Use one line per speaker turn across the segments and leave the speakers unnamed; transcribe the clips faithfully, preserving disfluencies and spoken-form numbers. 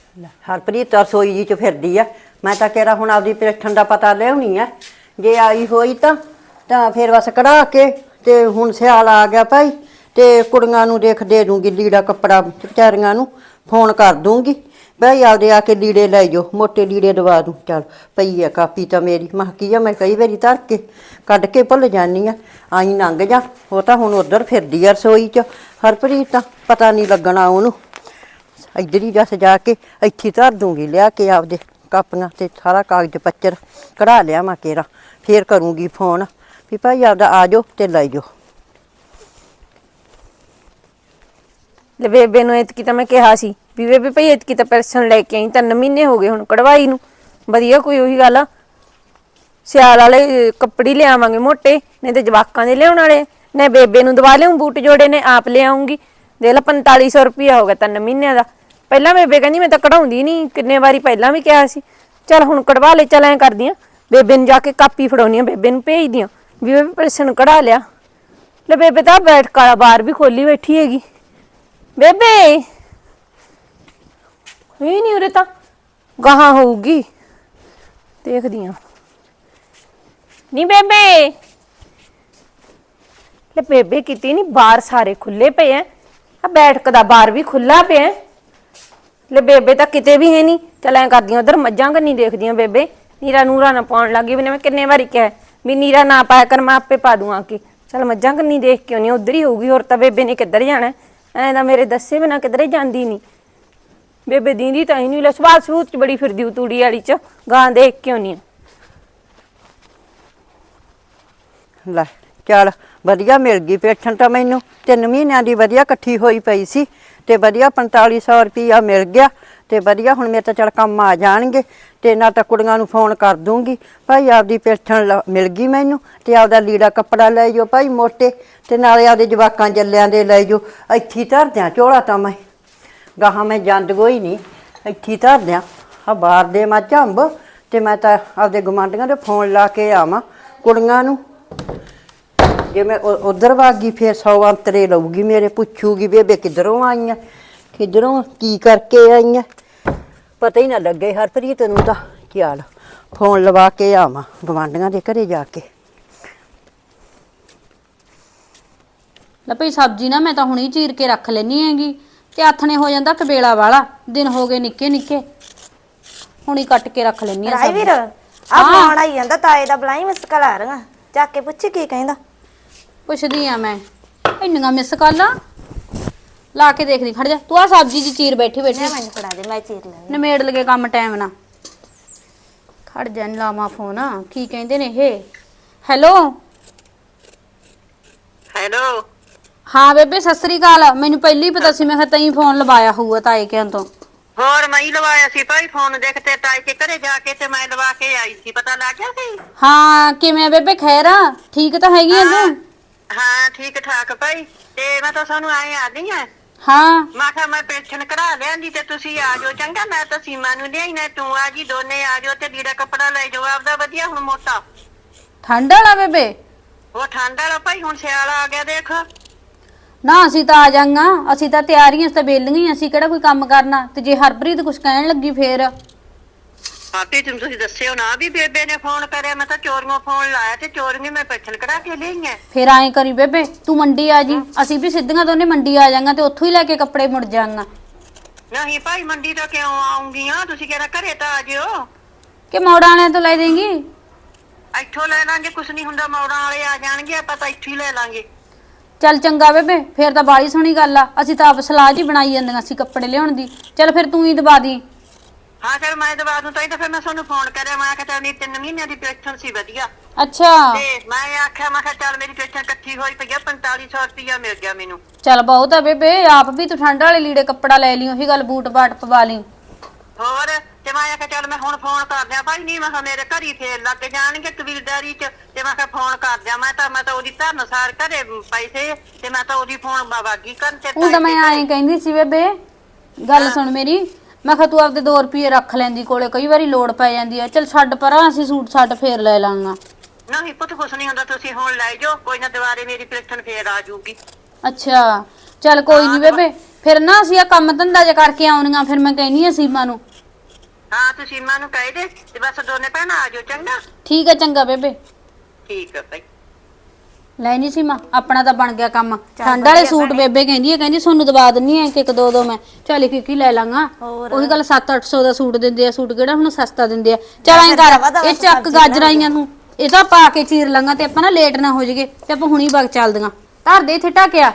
ਹਰਪ੍ਰੀਤ ਰਸੋਈ ਜੀ ਚ ਫਿਰਦੀ ਆ। ਮੈਂ ਤਾਂ ਕਿਹੜਾ ਹੁਣ ਆਪਦੀ ਪੇਠਣ ਦਾ ਪਤਾ ਲਿਆਉਣੀ ਆ। ਜੇ ਆਈ ਹੋਈ ਤਾਂ ਤਾਂ ਫਿਰ ਬਸ ਕਢਾ ਕੇ ਤੇ ਹੁਣ ਸਿਆਲ ਆ ਗਿਆ ਭਾਈ ਤੇ ਕੁੜੀਆਂ ਨੂੰ ਦੇਖ ਦੇ ਦੂੰਗੀ ਲੀੜਾ ਕੱਪੜਾ ਵਿਚਾਰੀਆਂ ਨੂੰ ਫੋਨ ਕਰ ਦੂੰਗੀ ਭਾਈ ਆਪਦੇ ਆ ਕੇ ਲੀੜੇ ਲੈ ਜਾਓ ਮੋਟੇ ਲੀੜੇ ਦਵਾ ਦੂੰ। ਚੱਲ ਪਈ ਆ ਕਾਪੀ ਤਾਂ ਮੇਰੀ ਮੈਂ ਕੀ ਆ ਮੈਂ ਕਈ ਵਾਰੀ ਧਰ ਕੇ ਕੱਢ ਕੇ ਭੁੱਲ ਜਾਂਦੀ ਆ ਆਈ ਲੰਘ ਜਾ। ਉਹ ਤਾਂ ਹੁਣ ਉੱਧਰ ਫਿਰਦੀ ਆ ਰਸੋਈ ਚ ਹਰਪ੍ਰੀਤ ਤਾਂ ਪਤਾ ਨਹੀਂ ਲੱਗਣਾ ਉਹਨੂੰ। ਇੱਧਰ ਹੀ ਜਸ ਜਾ ਕੇ ਇੱਥੇ ਧਰ ਦੂੰਗੀ ਲਿਆ ਕੇ ਆਪਦੇ ਕਾਪੀਆਂ ਤੇ ਸਾਰਾ ਕਾਗਜ਼ ਪੱਤਰ ਕਢਾ ਲਿਆ ਮੈਂ ਕੇਰਾ ਫੇਰ ਕਰੂੰਗੀ ਫੋਨ ਵੀ ਭਾਈ ਆਪਦਾ ਆ ਜਾਓ ਤੇ ਲੈ ਜਾਓ।
ਲੈ ਬੇਬੇ ਨੂੰ ਇਤਕੀ ਤਾਂ ਮੈਂ ਕਿਹਾ ਸੀ ਵੀ ਬੇਬੇ ਭਈ ਇਤਕੀ ਤਾਂ ਪੈਨਸ਼ਨ ਲੈ ਕੇ ਆਈ ਤਿੰਨ ਮਹੀਨੇ ਹੋ ਗਏ ਹੁਣ ਕਢਵਾਈ ਨੂੰ। ਵਧੀਆ ਕੋਈ ਉਹੀ ਗੱਲ ਆ ਸਿਆਲ ਵਾਲੇ ਕੱਪੜੇ ਲਿਆਵਾਂਗੇ ਮੋਟੇ ਨਹੀਂ ਤੇ ਜਵਾਕਾਂ ਦੇ ਲਿਆਉਣ ਵਾਲੇ ਨੇ ਬੇਬੇ ਨੂੰ ਦਵਾ ਲਿਆਉਂ ਬੂਟ ਜੋੜੇ ਨੇ ਆਪ ਲਿਆਉਂਗੀ। ਦੇਖ ਲਾ ਪੰਤਾਲੀ ਸੌ ਰੁਪਇਆ ਹੋ ਗਿਆ ਤਿੰਨ ਮਹੀਨਿਆਂ ਦਾ। ਪਹਿਲਾਂ ਬੇਬੇ ਕਹਿੰਦੀ ਮੈਂ ਤਾਂ ਕਢਾਉਂਦੀ ਨਹੀਂ ਕਿੰਨੇ ਵਾਰੀ ਪਹਿਲਾਂ ਵੀ ਕਿਹਾ ਸੀ ਚੱਲ ਹੁਣ ਕਢਵਾ ਲੈ। ਚੱਲ ਐਂ ਕਰਦੀ ਆ ਬੇਬੇ ਨੂੰ ਜਾ ਕੇ ਕਾਪੀ ਫੜਾਉਣੀ ਆ ਬੇਬੇ ਨੂੰ ਭੇਜਦੀ ਆ ਵੀ ਬੇਬੇ ਪੈਨਸ਼ਨ ਕਢਾ ਲਿਆ। ਲੈ ਬੇਬੇ ਤਾਂ ਬੈਠ ਕਾਲਾ ਬਾਹਰ ਵੀ ਖੋਲੀ ਬੈਠੀ ਹੈਗੀ। ਬੇਬੇ ਇਹ ਨਹੀਂ ਉਰੇ ਤਾਂ ਗਾਹਾਂ ਹੋਊਗੀ ਦੇਖਦੀ ਆ ਨੀ ਬੇਬੇ। ਲੈ ਬੇਬੇ ਕਿਤੇ ਨਹੀਂ ਬਾਹਰ ਸਾਰੇ ਖੁੱਲੇ ਪਏ ਐ ਆ ਬੈਠਕ ਦਾ ਬਾਹਰ ਵੀ ਖੁੱਲਾ ਪਿਆ। ਲੈ ਬੇਬੇ ਤਾਂ ਕਿਤੇ ਵੀ ਹੈ ਨਹੀਂ। ਚੱਲ ਐਂ ਕਰਦੀ ਉਧਰ ਮੱਝਾਂ ਕੰਨੀ ਦੇਖਦੀ ਆ ਬੇਬੇ ਨੀਰਾ ਨੂਰਾ ਨਾ ਪਾਉਣ ਲੱਗੀ ਵੀ ਮੈਂ ਕਿੰਨੇ ਵਾਰੀ ਕਿਹਾ ਵੀ ਨੀਰਾ ਨਾ ਪਾਇਆ ਕਰ ਮੈਂ ਆਪੇ ਪਾ ਦੂੰ ਆ ਕੇ। ਚੱਲ ਮੱਝਾਂ ਕੰਨੀ ਦੇਖ ਕੇ ਆਉਣੀ ਉਧਰ ਹੀ ਹੋਊਗੀ ਹੋਰ ਤਾਂ ਬੇਬੇ ਨੇ ਕਿੱਧਰ ਜਾਣਾ ਐਂ ਤਾਂ ਮੇਰੇ ਦੱਸੇ ਬਿਨਾਂ ਕਿਧਰੇ ਜਾਂਦੀ ਨਹੀਂ ਬੇਬੇ ਦੀਂਦੀ ਤਾਂ ਹੀ ਨਹੀਂ। ਲੈ ਸਵਾਲ ਸਬੂਤ ਚ ਬੜੀ ਫਿਰਦੀ ਤੂੜੀ ਵਾਲੀ ਚ ਗਾਂ ਦੇਖ ਕੇ ਆਉਣੀ ਆ।
ਲੈ ਚੱਲ ਵਧੀਆ ਮਿਲ ਗਈ ਪੈਨਸ਼ਨ ਤਾਂ ਮੈਨੂੰ ਤਿੰਨ ਮਹੀਨਿਆਂ ਦੀ ਵਧੀਆ ਇਕੱਠੀ ਹੋਈ ਪਈ ਸੀ ਤੇ ਵਧੀਆ ਪੰਤਾਲੀ ਸੌ ਰੁਪਈਆ ਮਿਲ ਗਿਆ ਤੇ ਵਧੀਆ ਹੁਣ ਮੇਰੇ ਤਾਂ ਚੱਲ ਕੰਮ ਆ ਜਾਣਗੇ ਤੇ ਨਾ ਤਾਂ ਕੁੜੀਆਂ ਨੂੰ ਫੋਨ ਕਰ ਦੂੰਗੀ ਭਾਈ ਆਪਦੀ ਪੈਨਸ਼ਨ ਮਿਲ ਗਈ ਮੈਨੂੰ ਤੇ ਆਪਦਾ ਲੀੜਾ ਕੱਪੜਾ ਲੈ ਜਾਓ ਭਾਈ ਮੋਟੇ ਤੇ ਨਾਲੇ ਆਪਦੇ ਜਵਾਕਾਂ ਜੱਲਿਆਂ ਦੇ ਲੈ ਜਾਓ। ਇੱਥੇ ਧਰ ਦਿਆਂ ਝੋਲਾ ਤਾਂ ਮੈਂ ਗਾਹਾਂ ਮੈਂ ਜਾਂਦ ਕੋਈ ਨਹੀਂ ਇੱਥੇ ਧਰ ਦਿਆਂ ਆ ਬਾਹਰ ਦੇ ਮੱਝ ਅੰਬ ਤੇ ਮੈਂ ਤਾਂ ਆਪਦੇ ਗੁਆਂਢੀਆਂ ਦੇ ਫੋਨ ਲਾ ਕੇ ਆਵਾਂ ਕੁੜੀਆਂ ਨੂੰ। ਜੇ ਮੈਂ ਉਧਰ ਵਾਗੀ ਫਿਰ ਸੌ ਅੰਤਰੇ ਲਊਗੀ ਮੇਰੇ ਪੁੱਛੂਗੀ ਬੇਬੇ ਕਿੱਧਰੋਂ ਆਈਆਂ ਕਿੱਧਰੋਂ ਕੀ ਕਰਕੇ ਆਈਆਂ ਪਤਾ ਹੀ ਨਾ ਲੱਗੇ ਹਰਪ੍ਰੀਤ ਨੂੰ ਤਾਂ। ਚੱਲ ਫੋਨ ਲਵਾ ਕੇ ਆਵਾਂ ਗੁਆਂਢੀਆਂ ਦੇ ਘਰੇ ਜਾ ਕੇ।
ਲੈ ਭਈ ਸਬਜ਼ੀ ਨਾ ਮੈਂ ਤਾਂ ਹੁਣੀ ਚੀਰ ਕੇ ਰੱਖ ਲੈਣੀ ਹੈਗੀ ਤੇ ਆਥਣੇ ਹੋ ਜਾਂਦਾ ਕਬੇਲਾ ਵਾਲਾ ਦਿਨ ਹੋ ਗਏ ਨਿੱਕੇ ਨਿੱਕੇ ਹੁਣੀ ਕੱਟ ਕੇ ਰੱਖ ਲੈਣੀ ਆ।
ਰਾਈ ਵੀਰ ਆ ਫੋਨ ਆਈ ਜਾਂਦਾ ਤਾਏ ਦਾ ਬਲਾਈ ਮਿਸ ਕਾਲ ਆ ਰਹੀਆਂ ਚੱਕ ਕੇ ਪੁੱਛ ਕੀ ਕਹਿੰਦਾ।
ਪੁੱਛਦੀ ਆ ਮੈਂ ਇੰਨੀਆਂ ਮਿਸ ਕਾਲਾਂ ਲਾ ਕੇ ਦੇਖਦੀ ਖੜ ਜਾ ਤੂੰ ਆ ਸਬਜ਼ੀ ਦੀ ਚੀਰ ਬੈਠੀ ਬੈਠੀ
ਮੈਨੂੰ ਫੜਾ ਦੇ ਮੈਂ ਚੀਰ ਲੈਣੀ
ਨਿਮੇੜ ਲਗੇ ਕੰਮ ਟਾਈਮ ਨਾ ਖੜ ਜਾ ਲਾਵਾਂ ਫੋਨ ਕੀ ਕਹਿੰਦੇ ਨੇ ਇਹ। ਹੈਲੋ
ਹੈਲੋ
ਹਾਂ ਬੇਬੇ ਸਤਿ ਸ੍ਰੀ ਅਕਾਲ। ਮੈਨੂੰ ਪਹਿਲਾਂ ਹੀ ਪਤਾ ਸੀ ਮੈਂ ਕਿਹਾ ਤੈਂ ਫੋਨ ਲਵਾਇਆ ਹੋਊਗਾ ਤਾਏ ਕਿਆਂ ਤੋਂ।
ਹੋਰ ਮੈਂ ਹੀ ਲਵਾਇਆ ਸੀ ਭਾਈ ਫੋਨ ਦੇਖ ਤੇ ਤਾਈ ਕੇ ਘਰੇ ਜਾ ਕੇ ਤੇ ਮੈਂ ਲਵਾ ਕੇ ਆਈ ਸੀ ਪਤਾ ਲੱਗ ਗਿਆ ਸੀ।
ਹਾਂ ਕਿਵੇਂ ਬੇਬੇ ਖੈਰ ਆ ਠੀਕ ਤਾਂ ਹੈਗੀ ਆ ਤੂੰ।
ਹਾਂ ਠੀਕ ਠਾਕ ਭਾਈ ਤੇ ਮੈਂ ਤਾਂ ਸਾਨੂੰ ਆਏ ਆ ਗਈ ਆ।
ਹਾਂ
ਮੈਂ ਕਿਹਾ ਮੈਂ ਪੈਨਸ਼ਨ ਕਢਾ ਲਿਆਂਦੀ ਤੇ ਤੁਸੀਂ ਆ ਜਾਓ ਚੰਗਾ ਮੈਂ ਤਾਂ ਸੀਮਾ ਨੂੰ ਲਿਆਈ ਨਾ ਤੂੰ ਆ ਜੀ ਦੋਨੇ ਆ ਜਾਓ ਤੇ ਲੀੜਾ ਕੱਪੜਾ ਲੈ ਜਾਓ ਆਪਦਾ ਵਧੀਆ ਹੁਣ ਮੋਟਾ।
ਠੰਡ ਵਾਲਾ ਬੇਬੇ
ਉਹ ਠੰਡ ਵਾਲਾ ਭਾਈ ਹੁਣ ਸਿਆਲ ਆ ਗਿਆ ਦੇਖ।
ਨਾ ਅਸੀਂ ਤਾਂ ਆ ਜਾਾਂਗਾ ਅਸੀਂ ਤਾਂ ਤਿਆਰੀਆਂ ਤਾਂ ਬੇਲੀਆਂ ਅਸੀਂ ਕਿਹੜਾ ਕੋਈ ਕੰਮ ਕਰਨਾ ਤੇ ਜੇ ਹਰਪ੍ਰੀਤ ਕੁਛ ਕਹਿਣ ਲੱਗੀ ਫੇਰ
ਆਪੇ ਤੁਮ ਤੁਸੀਂ ਦੱਸਿਓ ਨਾ ਵੀ ਬੇਬੇ ਨੇ ਫੋਨ ਕਰਿਆ ਮੈਂ ਤਾਂ ਚੋਰੀਆਂ ਫੋਨ ਲਾਇਆ ਤੇ ਚੋਰੀਆਂ ਮੈਂ ਪੈਨਸ਼ਨ ਕਢਾ ਕੇ ਲਿਆਈਆਂ।
ਫੇਰ ਐਂ ਕਰੀ ਬੇਬੇ ਤੂੰ ਮੰਡੀ ਆ ਜੀ ਅਸੀਂ ਵੀ ਸਿੱਧੀਆਂ ਦੋਨੇ ਮੰਡੀ ਆ ਜਾਾਂਗਾ ਤੇ ਉੱਥੋਂ ਹੀ ਲੈ ਕੇ ਕੱਪੜੇ ਮੁੜ ਜਾਾਂਗਾ।
ਨਹੀਂ ਭਾਈ ਮੰਡੀ ਤਾਂ ਕਿਉਂ ਆਉਂਗੀਆਂ ਤੁਸੀਂ ਕਹਿੰਦਾ ਘਰੇ ਤਾਂ ਆ ਜਿਓ
ਕਿ ਮੋੜਾਂ ਵਾਲਿਆਂ ਤੋਂ ਲੈ ਦੇਂਗੀ।
ਇੱਥੋਂ ਲੈ ਲਾਂਗੇ ਕੁਛ ਨਹੀਂ ਹੁੰਦਾ ਮੌੜਾਂ ਵਾਲੇ ਆ ਜਾਣਗੇ ਆਪਾਂ ਤਾਂ ਇੱਥੋਂ ਹੀ ਲੈ ਲਾਂਗੇ।
ਚੱਲ ਚੰਗਾ ਬੇਬੇ ਫੇਰ ਤਾਂ ਬਾਲੀ ਸੋਹਣੀ ਗੱਲ ਆ ਅਸੀਂ ਤਾਂ ਆਪ ਸਲਾਹ ਜੀ ਬਣਾਈ ਜਾਂਦੀਆਂ ਸੀ ਕੱਪੜੇ ਲਿਆਉਣ ਦੀ। ਚੱਲ ਫਿਰ ਤੂੰ ਹੀ ਦਵਾ ਦੀ।
ਹਾਂ ਚਲ ਮੈਂ ਦਵਾ ਦੂੰ ਤਾਂ ਹੀ ਤਾਂ ਫਿਰ ਮੈਂ ਤੁਹਾਨੂੰ ਫੋਨ ਕਰਿਆ ਮੈਂ ਕਿਹਾ ਚੱਲ ਤਿੰਨ ਮਹੀਨਿਆਂ ਦੀ ਪੈਨਸ਼ਨ ਸੀ ਵਧੀਆ।
ਅੱਛਾ
ਤੇ ਮੈਂ ਆਖਿਆ ਮੈਂ ਕਿਹਾ ਚੱਲ ਮੇਰੀ ਪੈਨਸ਼ਨ ਇਕੱਠੀ ਹੋਈ ਪਈ ਆ ਪੰਤਾਲੀ ਸੌ ਰੁਪਇਆ ਮਿਲ ਗਿਆ ਮੈਨੂੰ।
ਚੱਲ ਬਹੁਤ ਆ ਬੇਬੇ ਆਪ ਵੀ ਤੂੰ ਠੰਡ ਵਾਲੇ ਲੀੜੇ ਕੱਪੜਾ ਲੈ ਲਈ ਉਹੀ ਗੱਲ ਬੂਟ ਬਾਟ ਪਵਾ ਲਈ।
ਹੋਰ ਤੇ ਮੈਂ ਆਖਿਆ ਚੱਲ ਮੈਂ ਹੁਣ ਫੋਨ ਕਰ ਦਿਆਂ ਭਾਈ ਨਹੀਂ ਮੈਂ ਕਿਹਾ ਮੇਰੇ ਘਰੀ ਫੇਰ ਲੱਗ ਜਾਣਗੇ ਕਬੀਲਦਾਰੀ ਚ ਤੇ ਮੈਂ ਕਿਹਾ ਫੋਨ ਕਰ ਦਿਆਂ ਮੈਂ ਤਾਂ ਮੈਂ ਤਾਂ ਉਹਦੀ ਧਰਨ ਸਾਰ ਘਰੇ ਪੈਸੇ ਤੇ ਮੈਂ ਤਾਂ ਉਹਦੀ ਫੋਨ ਬਾਵਾਗੀ ਕਰਨ ਤੇ
ਉਹ ਤਾਂ ਮੈਂ ਐਂ ਕਹਿੰਦੀ ਸੀ ਬੇਬੇ ਗੱਲ ਸੁਣ ਮੇਰੀ ਮੈਂ ਕਿਹਾ ਤੂੰ ਆਪਦੇ ਦੋ ਰੁਪਏ ਰੱਖ ਲੈਂਦੀ ਕੋਲੇ ਕਈ ਵਾਰੀ ਲੋੜ ਪੈ ਜਾਂਦੀ ਆ। ਚੱਲ ਛੱਡ ਪਰਾਂ ਅਸੀਂ ਸੂਟ ਸਾਟ ਫੇਰ ਲੈ ਲਾਂਗਾ।
ਨਹੀਂ ਪੁੱਤ ਕੁਛ ਨਹੀਂ ਹੁੰਦਾ ਤੁਸੀਂ ਹੁਣ ਲੈ ਜਾਓ ਕੋਈ ਨਾ ਦੁਬਾਰੇ ਮੇਰੀ ਪੈਨਸ਼ਨ ਫੇਰ ਆ ਜਾਊਗੀ।
ਅੱਛਾ ਚੱਲ ਕੋਈ ਨਹੀਂ ਬੇਬੇ ਫਿਰ ਨਾ ਅਸੀਂ ਆ ਕੰਮ ਧੰਦਾ ਜੇ ਕਰਕੇ ਆਉਣੀਆਂ, ਫਿਰ ਮੈਂ ਕਹਿਨੀ ਆ ਸੀਮਾ ਨੂੰ।
ਹਾਂ ਤੂੰ ਸੀਮਾ ਨੂੰ ਕਹਿ ਦੇ ਤੇ ਬਸ ਦੋਨੇ ਭੈਣਾਂ ਆ ਜਾਓ, ਚੰਗਾ।
ਠੀਕ ਹੈ ਚੰਗਾ ਬੇਬੇ।
ਠੀਕ ਹੈ ਭਾਈ।
ਲੈ ਨਹੀਂ ਸੀਮਾ, ਆਪਣਾ ਤਾਂ ਬਣ ਗਿਆ ਕੰਮ। ਠੰਡ ਵਾਲੇ ਸੂਟ ਬੇਬੇ ਕਹਿੰਦੀ ਹੈ, ਕਹਿੰਦੀ ਤੁਹਾਨੂੰ ਦਵਾ ਦਿੰਨੀ ਐ ਕਿ ਇੱਕ ਦੋ ਦੋ ਮੈਂ ਚੱਲ ਇੱਕ ਕੀ ਲੈ ਲਾਂਗਾ। ਉਹੀ ਗੱਲ ਸੱਤ ਅੱਠ ਸੌ ਦਾ ਸੂਟ ਦਿੰਦੇ ਆ, ਸੂਟ ਕਿਹੜਾ ਹੁਣ ਸਸਤਾ ਦਿੰਦੇ ਆ। ਚੱਲ ਐਂ ਕਰ, ਇਹ ਚੱਕ ਗਾਜਰਾਈਆਂ ਨੂੰ ਇਹ ਤਾਂ ਪਾ ਕੇ ਚੀਰ ਲਾਂਗਾ ਤੇ ਆਪਾਂ ਨਾ ਲੇਟ ਨਾ ਹੋ ਜਾਈਏ ਤੇ ਆਪਾਂ ਹੁਣੀ ਵਗ ਚੱਲਦੀਆਂ। ਧਰ ਦੇ ਇੱਥੇ ਢੱਕਿਆ